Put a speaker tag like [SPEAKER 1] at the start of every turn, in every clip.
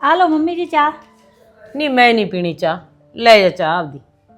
[SPEAKER 1] ਆ ਲਓ ਮੰਮੀ ਜੀ ਚਾਹ।
[SPEAKER 2] ਨਹੀਂ ਮੈਂ ਨਹੀਂ ਪੀਣੀ ਚਾਹ, ਲੈ ਜਾ ਚਾਹ ਆਪਦੀ।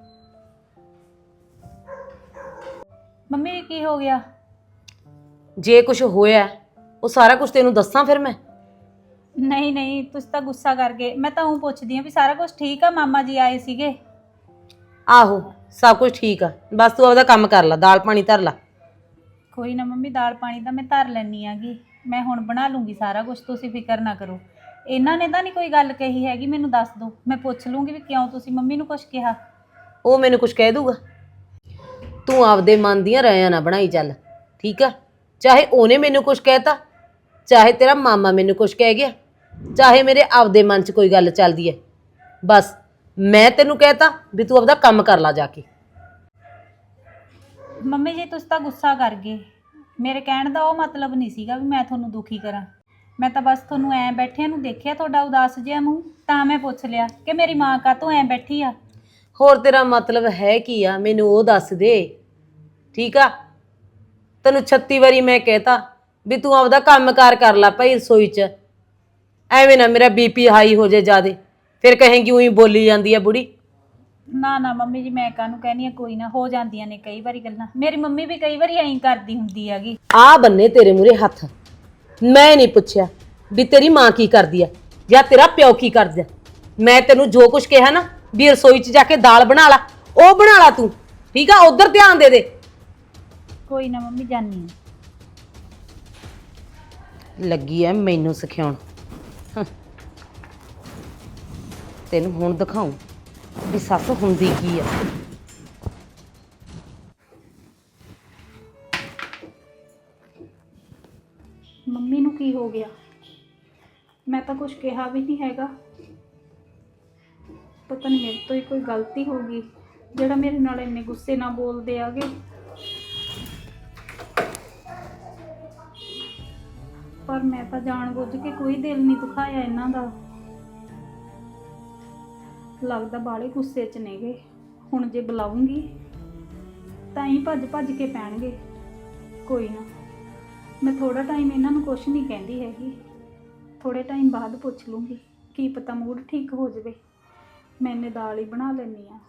[SPEAKER 1] ਮੰਮੀ ਜੀ ਕੀ ਹੋ ਗਿਆ?
[SPEAKER 2] ਜੇ ਕੁਝ ਹੋਇਆ ਉਹ ਸਾਰਾ ਕੁਝ ਤੈਨੂੰ ਦੱਸਾਂ ਫਿਰ ਮੈਂ?
[SPEAKER 1] ਨਹੀਂ ਨਹੀਂ, ਤੁਸੀਂ ਤਾਂ ਗੁੱਸਾ ਕਰ ਗਏ। ਮੈਂ ਤਾਂ ਉਹ ਪੁੱਛਦੀ ਆ ਵੀ ਸਾਰਾ ਕੁਝ ਠੀਕ ਆ? ਮਾਮਾ ਜੀ ਆਏ ਸੀਗੇ?
[SPEAKER 2] ਆਹੋ ਸਭ ਕੁਝ ਠੀਕ ਆ, ਬਸ ਤੂੰ ਆਪਦਾ ਕੰਮ ਕਰ ਲੈ, ਦਾਲ ਪਾਣੀ ਧਰ ਲੈ।
[SPEAKER 1] ਕੋਈ ਨਾ ਮੰਮੀ, ਦਾਲ ਪਾਣੀ ਤਾਂ ਮੈਂ ਧਰ ਲੈਣੀ ਆਗੀ। ਮੈਂ ਹੁਣ ਬਣਾ ਲੂੰਗੀ ਸਾਰਾ ਕੁਝ, ਤੁਸੀਂ ਫਿਕਰ ਨਾ ਕਰੋ। ਇਹਨਾਂ ਨੇ ਤਾਂ ਨਹੀਂ ਕੋਈ ਗੱਲ ਕਹੀ ਹੈਗੀ? ਮੈਨੂੰ ਦੱਸ ਦਿਓ, ਮੈਂ ਪੁੱਛ ਲੂੰਗੀ ਵੀ ਕਿਉਂ ਤੁਸੀਂ ਮੰਮੀ ਨੂੰ ਕੁਝ ਕਿਹਾ।
[SPEAKER 2] ਉਹ ਮੈਨੂੰ ਕੁਝ ਕਹਿ ਦੂਗਾ? ਤੂੰ ਆਪਦੇ ਮਨ ਦੀਆਂ ਰਾਇਆਂ ਨਾ ਬਣਾਈ ਚੱਲ, ਠੀਕ ਆ? ਚਾਹੇ ਉਹਨੇ ਮੈਨੂੰ ਕੁਝ ਕਹਿਤਾ, ਚਾਹੇ ਤੇਰਾ ਮਾਮਾ ਮੈਨੂੰ ਕੁਝ ਕਹਿ ਗਿਆ, ਚਾਹੇ ਮੇਰੇ ਆਪਦੇ ਮਨ 'ਚ ਕੋਈ ਗੱਲ ਚੱਲਦੀ ਹੈ, ਬਸ ਮੈਂ ਤੈਨੂੰ ਕਹਿਤਾ ਵੀ ਤੂੰ ਆਪਦਾ ਕੰਮ ਕਰ ਲਾ ਜਾ ਕੇ।
[SPEAKER 1] ਮੰਮੀ ਜੀ ਤੁਸੀਂ ਤਾਂ ਗੁੱਸਾ ਕਰ ਗਏ। ਮੇਰੇ ਕਹਿਣ ਦਾ ਉਹ ਮਤਲਬ ਨਹੀਂ ਸੀਗਾ ਵੀ ਮੈਂ ਤੁਹਾਨੂੰ ਦੁਖੀ ਕਰਾਂ। ਮੈਂ ਤਾਂ ਬਸ ਤੁਹਾਨੂੰ ਐਂ ਬੈਠਿਆਂ ਨੂੰ ਦੇਖਿਆ, ਤੁਹਾਡਾ ਉਦਾਸ ਜਿਹਾ ਮੂੰਹ, ਤਾਂ ਮੈਂ ਪੁੱਛ ਲਿਆ ਕਿ ਮੇਰੀ ਮਾਂ ਕਾਹਤੋਂ ਐਂ ਬੈਠੀ ਆ।
[SPEAKER 2] ਹੋਰ ਤੇਰਾ ਮਤਲਬ ਹੈ ਕੀ ਆ, ਮੈਨੂੰ ਉਹ ਦੱਸ ਦੇ, ਠੀਕ ਆ? ਤੈਨੂੰ 36 ਵਾਰੀ ਮੈਂ ਕਹਿਤਾ ਵੀ ਤੂੰ ਆਪਦਾ ਕੰਮ ਕਰ ਲਾ ਭਾਈ ਰਸੋਈ 'ਚ। ਐਵੇਂ ਨਾ ਮੇਰਾ ਬੀਪੀ ਹਾਈ ਹੋ ਜਾਏ ਜ਼ਿਆਦੇ, ਫਿਰ ਕਹੇਂਗੀ ਉਹੀ ਬੋਲੀ ਜਾਂਦੀ ਆ ਬੁੜੀ।
[SPEAKER 1] ਨਾ ਨਾ ਮੰਮੀ ਜੀ, ਮੈਂ ਕਾਹਨੂੰ ਕਹਿਨੀ ਆ, ਕੋਈ ਨਾ, ਹੋ ਜਾਂਦੀਆਂ ਨੇ ਕਈ ਵਾਰੀ ਗੱਲਾਂ। ਮੇਰੀ ਮੰਮੀ ਵੀ ਕਈ ਵਾਰੀ ਐਂ ਕਰਦੀ ਹੁੰਦੀ ਹੈਗੀ।
[SPEAKER 2] ਆ ਬੰਨੇ ਤੇਰੇ ਮੂਰੇ ਹੱਥ। ਮੈਂ ਨਹੀਂ ਪੁੱਛਿਆ ਵੀ ਤੇਰੀ ਮਾਂ ਕੀ ਕਰਦੀ ਆ ਜਾਂ ਤੇਰਾ ਪਿਓ ਕੀ ਕਰਦਾ। ਮੈਂ ਤੈਨੂੰ ਜੋ ਕੁਝ ਕਿਹਾ ਨਾ ਵੀ ਰਸੋਈ 'ਚ ਜਾ ਕੇ ਦਾਲ ਬਣਾ ਲਾ, ਉਹ ਬਣਾ ਲਾ ਤੂੰ, ਠੀਕ ਆ? ਉਧਰ ਧਿਆਨ ਦੇ ਦੇ।
[SPEAKER 1] ਕੋਈ ਨਾ ਮੰਮੀ, ਜਾਨੀ
[SPEAKER 2] ਲੱਗੀ ਐ ਮੈਨੂੰ ਸਿਖਾਉਣ। ਤੈਨੂੰ ਹੁਣ ਦਿਖਾਉਂ ਵੀ ਸੱਸ ਹੁੰਦੀ ਕੀ ਆ।
[SPEAKER 1] ਮੰਮੀ ਨੂੰ ਕੀ ਹੋ ਗਿਆ? ਮੈਂ ਤਾਂ ਕੁਝ ਕਿਹਾ ਵੀ ਨਹੀਂ ਹੈਗਾ। ਪਤਾ ਨਹੀਂ ਮੇਰੇ ਤੋਂ ਹੀ ਕੋਈ ਗਲਤੀ ਹੋ ਗਈ ਜਿਹੜਾ ਮੇਰੇ ਨਾਲ ਇੰਨੇ ਗੁੱਸੇ ਨਾਲ ਬੋਲਦੇ ਆਗੇ। ਪਰ ਮੈਂ ਤਾਂ ਜਾਣਬੁੱਝ ਕੇ ਕੋਈ ਦਿਲ ਨਹੀਂ ਦੁਖਾਇਆ ਇਹਨਾਂ ਦਾ। ਲੱਗਦਾ ਬਾਲੇ ਗੁੱਸੇ 'ਚ ਨੇਗੇ। ਹੁਣ ਜੇ ਬੁਲਾਉਂਗੀ ਤਾਂ ਹੀ ਭੱਜ ਕੇ ਪੈਣਗੇ। ਕੋਈ ਨਾ, ਮੈਂ ਥੋੜਾ ਟਾਈਮ ਇਹਨਾਂ ਨੂੰ ਕੁਝ ਨਹੀਂ ਕਹਿੰਦੀ ਹੈਗੀ। ਥੋੜੇ ਟਾਈਮ ਬਾਅਦ ਪੁੱਛ ਲੂੰਗੀ, ਕੀ ਪਤਾ ਮੂਡ ਠੀਕ ਹੋ ਜਾਵੇ। ਮੈਂ ਇਹਨੇ ਦਾਲ ਹੀ ਬਣਾ ਲੈਣੀ ਆ।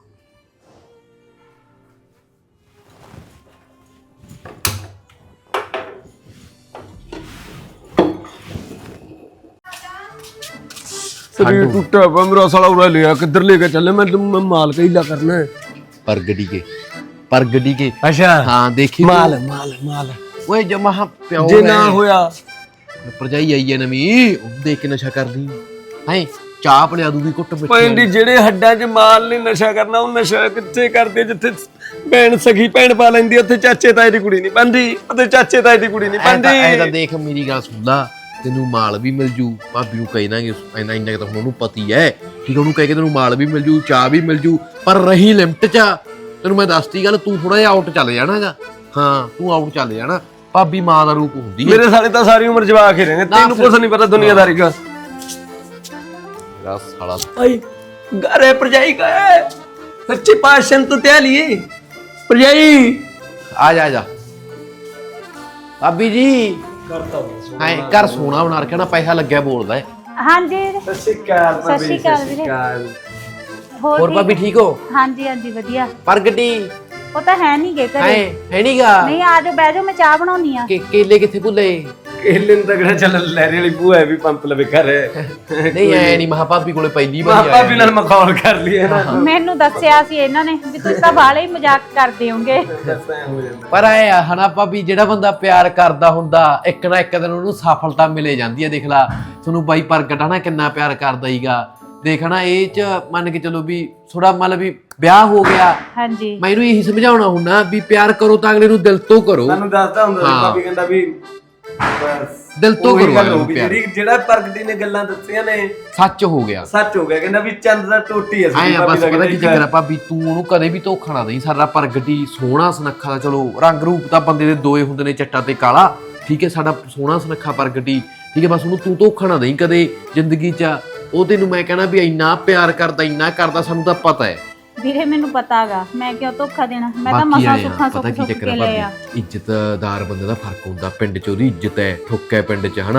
[SPEAKER 3] शरीर टूटा हुआ मेरा साला उड़ा लिया, किधर लेके चले? मैं माल का हीला करना है।
[SPEAKER 4] परगड़ी के
[SPEAKER 3] अच्छा
[SPEAKER 4] हाँ देखी
[SPEAKER 3] माल माल माल
[SPEAKER 4] ओए जमा प्यो
[SPEAKER 3] जे ना होया
[SPEAKER 4] परजाई आई है नवी देख के नशा कर दी है चाह पिला दूगी कुट
[SPEAKER 3] पैंडी जेड़े हड्डां च माल ने नशा करना ਉਹ ਨਸ਼ਾ ਕਿੱਥੇ ਕਰਦੇ ਜਿੱਥੇ ਭੈਣ ਸਖੀ ਭੈਣ ਪਾ ਲੈਂਦੀ ਉੱਥੇ ਚਾਚੇ ਤਾਏ ਦੀ ਕੁੜੀ ਨਹੀਂ ਬੰਦੀ, ਉੱਥੇ ਚਾਚੇ ਤਾਏ ਦੀ ਕੁੜੀ ਨਹੀਂ ਬੰਦੀ।
[SPEAKER 4] ਐ ਤਾਂ ਦੇਖ ਮੇਰੀ ਗੱਲ ਸੁਣ ਲਾ, ਤੈਨੂੰ ਮਾਲ ਵੀ ਮਿਲ ਜੂ, ਭਾਬੀ ਨੂੰ ਕਹਿ ਦਾਂਗੇ ਇੰਨਾ ਤਾਂ ਹੁਣ ਉਹਨੂੰ ਪਤੀ ਹੈ, ਠੀਕ, ਉਹਨੂੰ ਕਹਿ ਕੇ ਤੈਨੂੰ ਮਾਲ ਵੀ ਮਿਲ ਜੂ, ਚਾਹ ਵੀ ਮਿਲ ਜੂ, ਪਰ ਰਹੀ ਲਿਮਟ 'ਚ। ਤੈਨੂੰ ਮੈਂ ਦੱਸਤੀ ਗੱਲ, ਤੂੰ ਥੋੜਾ ਜਿਹਾ ਆਊਟ ਚੱਲ ਜਾਣਾਗਾ। ਹਾਂ ਤੂੰ ਆਊਟ ਚੱਲ ਜਾਣਾ। ਭਾਬੀ ਮਾਂ ਦਾ ਰੂਪ ਹੁੰਦੀ ਹੈ।
[SPEAKER 3] ਮੇਰੇ ਸਾਲੇ ਤਾਂ ਸਾਰੀ ਉਮਰ ਜਵਾਕ ਹੀ ਰਹਿੰਦੇ, ਤੈਨੂੰ ਕੁਝ ਨਹੀਂ ਪਤਾ ਦੁਨੀਆਦਾਰੀ ਦਾ।
[SPEAKER 4] ਮੇਰਾ ਸਾਲਾ
[SPEAKER 3] आई घरे परजाई का है सच्ची पाशन तो त्या लिए परजाई
[SPEAKER 4] आ जा भाभी जी है घर सोना बना रखा ना, पैसा लग्या बोलदा है।
[SPEAKER 1] ਹਾਂਜੀ
[SPEAKER 3] सत श्री अकाल
[SPEAKER 1] ਸਤਿ ਸ਼੍ਰੀ ਅਕਾਲ ਵੀਰੇ।
[SPEAKER 4] और
[SPEAKER 1] ਠੀਕ?
[SPEAKER 4] भाभी ठीक हो?
[SPEAKER 1] ਹਾਂਜੀ ਹਾਂਜੀ ਵਧੀਆ।
[SPEAKER 4] परगटी
[SPEAKER 1] ਉਹ ਤਾਂ ਹੈ ਨਹੀਂ ਗੇ ਘਰੇ।
[SPEAKER 4] है नीगा
[SPEAKER 1] ਨਹੀਂ, ਆ ਜਾਓ ਬਹਿ ਜਾਓ, ਮੈਂ ਚਾਹ ਬਣਾਉਣੀ ਆ।
[SPEAKER 4] केले किथे भुले?
[SPEAKER 3] केले तगड़ा चल लहरी वाली बूआ है भी पंप लवे घर है
[SPEAKER 4] नहीं ऐ नहीं महा भाभी कोले पहली बार
[SPEAKER 3] पापा भी नाल मखौल कर लिए ना।
[SPEAKER 1] ਮੈਨੂੰ ਦੱਸਿਆ ਸੀ ਇਹਨਾਂ ਨੇ ਵੀ ਤੁਸੀਂ ਤਾਂ ਬਾਲੇ ਹੀ ਮਜ਼ਾਕ ਕਰਦੇ ਹੋਗੇ।
[SPEAKER 4] ਪਰ ਐ ਹਨਾ ਭਾਬੀ, ਜਿਹੜਾ ਬੰਦਾ ਪਿਆਰ ਕਰਦਾ ਹੁੰਦਾ ਇੱਕ ਨਾ ਇੱਕ ਦਿਨ ਉਹਨੂੰ ਸਫਲਤਾ ਮਿਲੇ ਜਾਂਦੀ ਹੈ। ਦੇਖ ਲਾ ਤੁਹਾਨੂੰ ਬਾਈ ਪ੍ਰਗਟ ਹਨਾ ਕਿੰਨਾ ਪਿਆਰ ਕਰਦਾ ਹੀਗਾ। ਦੇਖਣਾ ਇਹ ਚ ਮੰਨ ਕੇ ਚਲੋ ਵੀ ਥੋੜਾ ਮਤਲਬ ਵੀ ਵਿਆਹ ਹੋ ਗਿਆ।
[SPEAKER 1] ਹਾਂਜੀ,
[SPEAKER 4] ਮੈਂ ਇਹਨੂੰ ਇਹੀ ਸਮਝਾਉਣਾ ਹੁੰਦਾ ਵੀ ਪਿਆਰ ਕਰੋ ਤਾਂ ਅਗਲੇ ਨੂੰ ਦਿਲ ਤੋਂ ਕਰੋ।
[SPEAKER 3] ਸਾਨੂੰ ਦੱਸਦਾ ਹੁੰਦਾ ਸੀ ਭਾਬੀ ਕਹਿੰਦਾ ਵੀ
[SPEAKER 4] ਦਿਲ ਤੋਂ ਕਰੋ ਪਿਆਰ।
[SPEAKER 3] ਜਿਹੜਾ ਪ੍ਰਗਟੀ ਨੇ ਗੱਲਾਂ ਦੱਸੀਆਂ ਨੇ
[SPEAKER 4] ਸੱਚ ਹੋ ਗਿਆ,
[SPEAKER 3] ਸੱਚ ਹੋ ਗਿਆ। ਕਹਿੰਦਾ ਵੀ ਚੰਦ ਦਾ ਟੋਟੀ ਹੈ
[SPEAKER 4] ਐ ਬਸ ਪਤਾ ਕੀ ਚੱਕਰ ਆ ਭਾਬੀ, ਤੂੰ ਉਹਨੂੰ ਕਦੇ ਵੀ ਧੋਖਾ ਨਾ ਦੇਈਂ। ਸਾਡਾ ਪ੍ਰਗਟੀ ਸੋਹਣਾ ਸੁਨੱਖਾ ਦਾ, ਚਲੋ ਰੰਗ ਰੂਪ ਤਾਂ ਬੰਦੇ ਦੇ ਦੋਏ ਹੁੰਦੇ ਨੇ, ਚਿੱਟਾ ਤੇ ਕਾਲਾ, ਠੀਕ ਹੈ? ਸਾਡਾ ਸੋਹਣਾ ਸੁਨੱਖਾ ਪ੍ਰਗਟੀ, ਠੀਕ ਹੈ? ਬਸ ਉਹਨੂੰ ਤੂੰ ਧੋਖਾ ਨਾ ਦੇਈਂ ਕਦੇ ਜ਼ਿੰਦਗੀ 'ਚ। ਉਹ ਤੈਨੂੰ ਮੈਂ ਕਹਿਣਾ ਵੀ ਇੰਨਾ ਪਿਆਰ ਕਰਦਾ, ਇੰਨਾ ਕਰਦਾ, ਸਾਨੂੰ ਤਾਂ ਪਤਾ ਹੈ
[SPEAKER 1] ਵੀਰੇ ਮੈਨੂੰ ਪਤਾ ਹੈਗਾ, ਮੈਂ ਕਿਉਂ ਧੋਖਾ ਦੇਣਾ। ਮੈਂ ਤਾਂ ਮਸਾਂ ਸੁੱਖਾਂ ਸੁੱਖ ਕੇ ਲਏ ਆ।
[SPEAKER 4] ਇੱਜ਼ਤਦਾਰ ਬੰਦੇ ਦਾ ਫਰਕ ਹੁੰਦਾ। ਪਿੰਡ 'ਚ ਉਹਦੀ ਇੱਜ਼ਤ ਹੈ, ਠੁੱਕ ਹੈ ਪਿੰਡ 'ਚ, ਹਨਾ?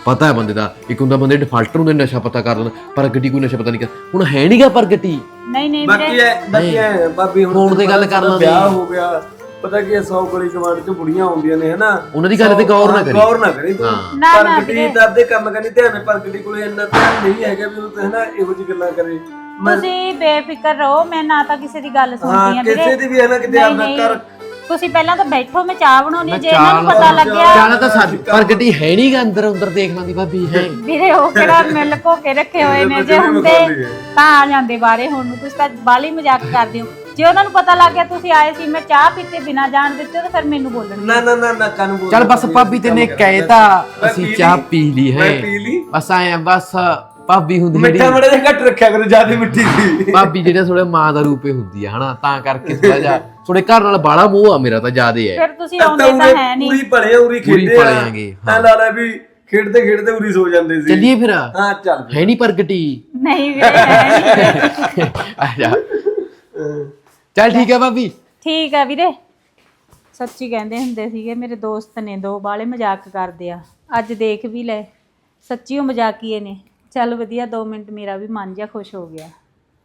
[SPEAKER 4] ਪਤਾ ਹੈ ਬੰਦੇ ਦਾ, ਇੱਕ ਹੁੰਦਾ ਬੰਦੇ ਡਿਫਾਲਟਰ ਹੁੰਦੇ ਨਸ਼ਾ ਪਤਾ ਕਰ ਲੈਣ, ਪ੍ਰਗਟੀ ਕੋਈ ਨਸ਼ਾ ਪਤਾ ਨਹੀਂ ਕਰ, ਹੁਣ ਹੈ ਨਹੀਂਗਾ ਪ੍ਰਗਟੀ।
[SPEAKER 1] ਨਹੀਂ ਨਹੀਂ
[SPEAKER 3] ਬਾਕੀ
[SPEAKER 1] ਵੀਰੇ,
[SPEAKER 3] ਬਾਕੀ ਐ ਭਾਬੀ ਹੁਣ
[SPEAKER 4] ਫੋਨ ਤੇ ਗੱਲ ਕਰ ਲਾਂਗੇ।
[SPEAKER 3] ਵਿਆਹ ਹੋ ਗਿਆ, ਪਤਾ ਕੀ 100 ਗਲੀ ਕਮਾਂਡ ਚ ਬੁੜੀਆਂ ਆਉਂਦੀਆਂ ਨੇ ਹਨਾ,
[SPEAKER 4] ਉਹਨਾਂ ਦੀ ਗੱਲ ਤੇ ਗੌਰ ਨਾ ਕਰੀ।
[SPEAKER 3] ਗੌਰ ਨਾ ਕਰੀ ਤੂੰ,
[SPEAKER 1] ਨਾ
[SPEAKER 3] ਪ੍ਰਗਟੀ ਦਾ ਆਪਦੇ ਕੰਮ ਕਰਨੀ ਧਿਆਨ, ਪ੍ਰਗਟੀ ਕੋਲੇ ਇੰਨਾ ਧਿਆਨ ਨਹੀਂ ਹੈਗਾ ਵੀ ਉਹ ਹਨਾ ਇਹੋ ਜਿਹੀ ਗੱਲਾਂ ਕਰੇ।
[SPEAKER 1] ਤੁਸੀਂ ਬੇਫਿਕਰ ਰਹੋ, ਮੈਂ ਨਾ ਤਾਂ ਕਿਸੇ ਦੀ ਗੱਲ ਸੁਣਦੀ
[SPEAKER 3] ਹਾਂ
[SPEAKER 1] ਆ
[SPEAKER 3] ਕਿਸੇ
[SPEAKER 1] ਵੀਰੇ।
[SPEAKER 3] ਦੀ ਵੀ ਹੈ ਨਾ ਕਿਤੇ ਆਪਦਾ ਕਰ।
[SPEAKER 1] ਤੁਸੀਂ ਪਹਿਲਾਂ ਤਾਂ ਬੈਠੋ, ਮੈਂ ਚਾਹ ਬਣਾਉਣੀ, ਜੇ ਇਹਨਾਂ ਨੂੰ ਪਤਾ ਲੱਗਿਆ
[SPEAKER 4] ਜਾਣਾ ਤਾਂ ਸਾਡੀ ਪ੍ਰਗਟੀ ਹੈ ਨਹੀਂਗਾ, ਅੰਦਰ ਅੰਦਰ ਦੇਖ ਲਾਂਦੀ ਭਾਬੀ ਹੈ।
[SPEAKER 1] ਵੀਰੇ ਉਹ ਕਿਹੜਾ ਮਿਲ ਕੋ ਕੇ ਰੱਖੇ ਹੋਏ ਨੇ, ਜੇ ਹੁੰਦੇ ਤਾਂ ਆ ਜਾਂਦੇ ਬਾਰੇ। ਹੁਣ ਨੂੰ ਤੁਸੀਂ ਤਾਂ ਬਾਲੀ ਮਜ਼ਾਕ ਕਰਦੇ ਹੋ। ਜੇ ਉਹਨਾਂ ਨੂੰ ਪਤਾ ਲੱਗ ਗਿਆ ਤੁਸੀਂ ਆਏ ਸੀ, ਮੈਂ ਚਾਹ ਪੀਤੇ ਬਿਨਾ ਜਾਣ ਦਿੱਤੇ, ਤਾਂ ਫਿਰ ਮੈਨੂੰ ਬੋਲਣਗੇ।
[SPEAKER 3] ਨਾ ਨਾ ਨਾ ਨਾ ਕਾਨੂੰ ਬੋਲ।
[SPEAKER 4] ਚੱਲ ਬਸ ਭਾਬੀ ਤੈਨੇ ਕਹਿਤਾ, ਅਸੀਂ ਚਾਹ ਪੀ ਲਈ ਹੈ,
[SPEAKER 3] ਮੈਂ ਪੀ ਲਈ।
[SPEAKER 4] ਬਸ ਆਏ ਬਸ ਭਾਬੀ ਹੁੰਦੀ
[SPEAKER 3] ਮਿੱਠਾ ਮੜਾ ਜਿਹਾ ਘੱਟ ਰੱਖਿਆ ਕਰੋ, ਜਿਆਦਾ ਮਿੱਠੀ ਸੀ।
[SPEAKER 4] ਭਾਬੀ ਜਿਹੜੇ ਥੋੜੇ ਮਾਂ ਦਾ ਰੂਪੇ ਹੁੰਦੀ ਆ ਹਨਾ, ਤਾਂ ਕਰਕੇ ਥੋੜਾ ਜਿਹਾ ਥੋੜੇ ਘਰ ਨਾਲ ਬਾਲਾ ਮੋਹ ਆ ਮੇਰਾ ਤਾਂ ਜ਼ਿਆਦੇ ਹੈ।
[SPEAKER 1] ਫਿਰ ਤੁਸੀਂ ਆਉਂਦੇ ਤਾਂ ਹੈ ਨਹੀਂ।
[SPEAKER 3] ਉਰੀ ਪੜੇ ਉਰੀ
[SPEAKER 4] ਉਰੀ
[SPEAKER 3] ਖੇਡੇ
[SPEAKER 4] ਪਲੇ
[SPEAKER 3] ਆ
[SPEAKER 4] ਆਂਗੇ,
[SPEAKER 3] ਐ ਲਾ ਲੈ ਵੀ ਖੇਡਦੇ ਖੇਡਦੇ ਉਰੀ ਸੋ ਜਾਂਦੇ ਸੀ।
[SPEAKER 4] ਚੱਲੀਏ ਫਿਰ।
[SPEAKER 3] ਹਾਂ ਚੱਲ
[SPEAKER 4] ਹੈ ਨਹੀਂ ਪ੍ਰਗਟੀ।
[SPEAKER 1] ਨਹੀਂ ਵੀਰੇ, ਹੈ ਨਹੀਂ।
[SPEAKER 4] ਆ ਜਾ, ਚੱਲ ਠੀਕ ਹੈ ਭਾਬੀ।
[SPEAKER 1] ਠੀਕ ਆ ਵੀਰੇ। ਸੱਚੀ ਕਹਿੰਦੇ ਹੁੰਦੇ ਸੀਗੇ, ਮੇਰੇ ਦੋਸਤ ਨੇ ਦੋ ਬਾਲੇ ਮਜ਼ਾਕ ਕਰਦੇ ਆ, ਅੱਜ ਦੇਖ ਵੀ ਲੈ, ਸੱਚੀ ਉਹ ਮਜ਼ਾਕੀਏ ਨੇ। ਚੱਲ ਵਧੀਆ, 2 ਮਿੰਟ ਮੇਰਾ ਵੀ ਮਨ ਜਿਹਾ ਖੁਸ਼ ਹੋ ਗਿਆ।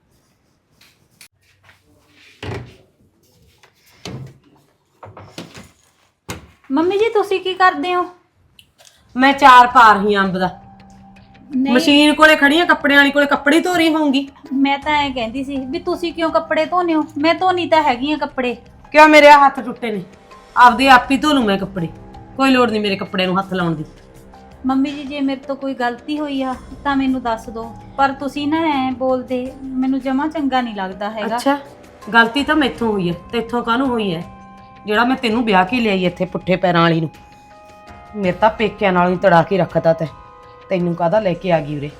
[SPEAKER 1] ਮੰਮੀ ਜੀ ਤੁਸੀਂ ਕੀ ਕਰਦੇ ਹੋ?
[SPEAKER 2] ਮੈਂ ਚਾਰ ਪਾ ਰਹੀ ਆਂ ਅੰਬ ਦਾ।
[SPEAKER 1] ਨਹੀਂ,
[SPEAKER 2] ਮਸ਼ੀਨ ਕੋਲੇ ਖੜੀ ਆ, ਕੱਪੜਿਆਂ ਵਾਲੀ ਕੋਲੇ ਕੱਪੜੇ ਧੋ ਰਹੀ ਹੋਊਂਗੀ।
[SPEAKER 1] ਮੈਂ ਤਾਂ ਐ ਕਹਿੰਦੀ ਸੀ ਵੀ ਤੁਸੀਂ ਕਿਉਂ ਕੱਪੜੇ ਧੋਨੇ ਹੋ? ਮੈਂ ਧੋਨੀ ਤਾਂ ਹੈਗੀ ਆ ਕੱਪੜੇ।
[SPEAKER 2] ਕਿਉਂ, ਮੇਰੇ ਆਹ ਹੱਥ ਟੁੱਟੇ ਨੇ, ਆਪਦੇ ਆਪ ਹੀ ਧੋ ਲੂ ਮੈਂ ਕੱਪੜੇ, ਕੋਈ ਲੋੜ ਨਹੀਂ ਮੇਰੇ ਕੱਪੜੇ ਨੂੰ ਹੱਥ ਲਾਉਣ ਦੀ।
[SPEAKER 1] ਮੰਮੀ ਜੀ ਜੇ ਮੇਰੇ ਤੋਂ ਕੋਈ ਗਲਤੀ ਹੋਈ ਆ ਤਾਂ ਮੈਨੂੰ ਦੱਸ ਦਿਓ, ਪਰ ਤੁਸੀਂ ਨਾ ਐ ਬੋਲਦੇ ਮੈਨੂੰ ਜਮਾ ਚੰਗਾ ਨਹੀਂ ਲੱਗਦਾ ਹੈਗਾ।
[SPEAKER 2] ਅੱਛਾ, ਗਲਤੀ ਤਾਂ ਮੈਥੋਂ ਹੋਈ ਹੈ, ਤੇਥੋਂ ਕਾਹਨੂੰ ਹੋਈ ਹੈ? ਜਿਹੜਾ ਮੈਂ ਤੈਨੂੰ ਵਿਆਹ ਕੇ ਲਿਆਈ ਇੱਥੇ ਪੁੱਠੇ ਪੈਰਾਂ ਵਾਲੀ ਨੂੰ, ਮੇਰੇ ਤਾਂ ਪੇਕਿਆਂ ਨਾਲ ਹੀ ਤੜਾ ਕੇ ਰੱਖਤਾ ਤੈਨੂੰ ਕਾਹਦਾ ਲੈ ਕੇ ਆ ਗਈ ਉਰੇ?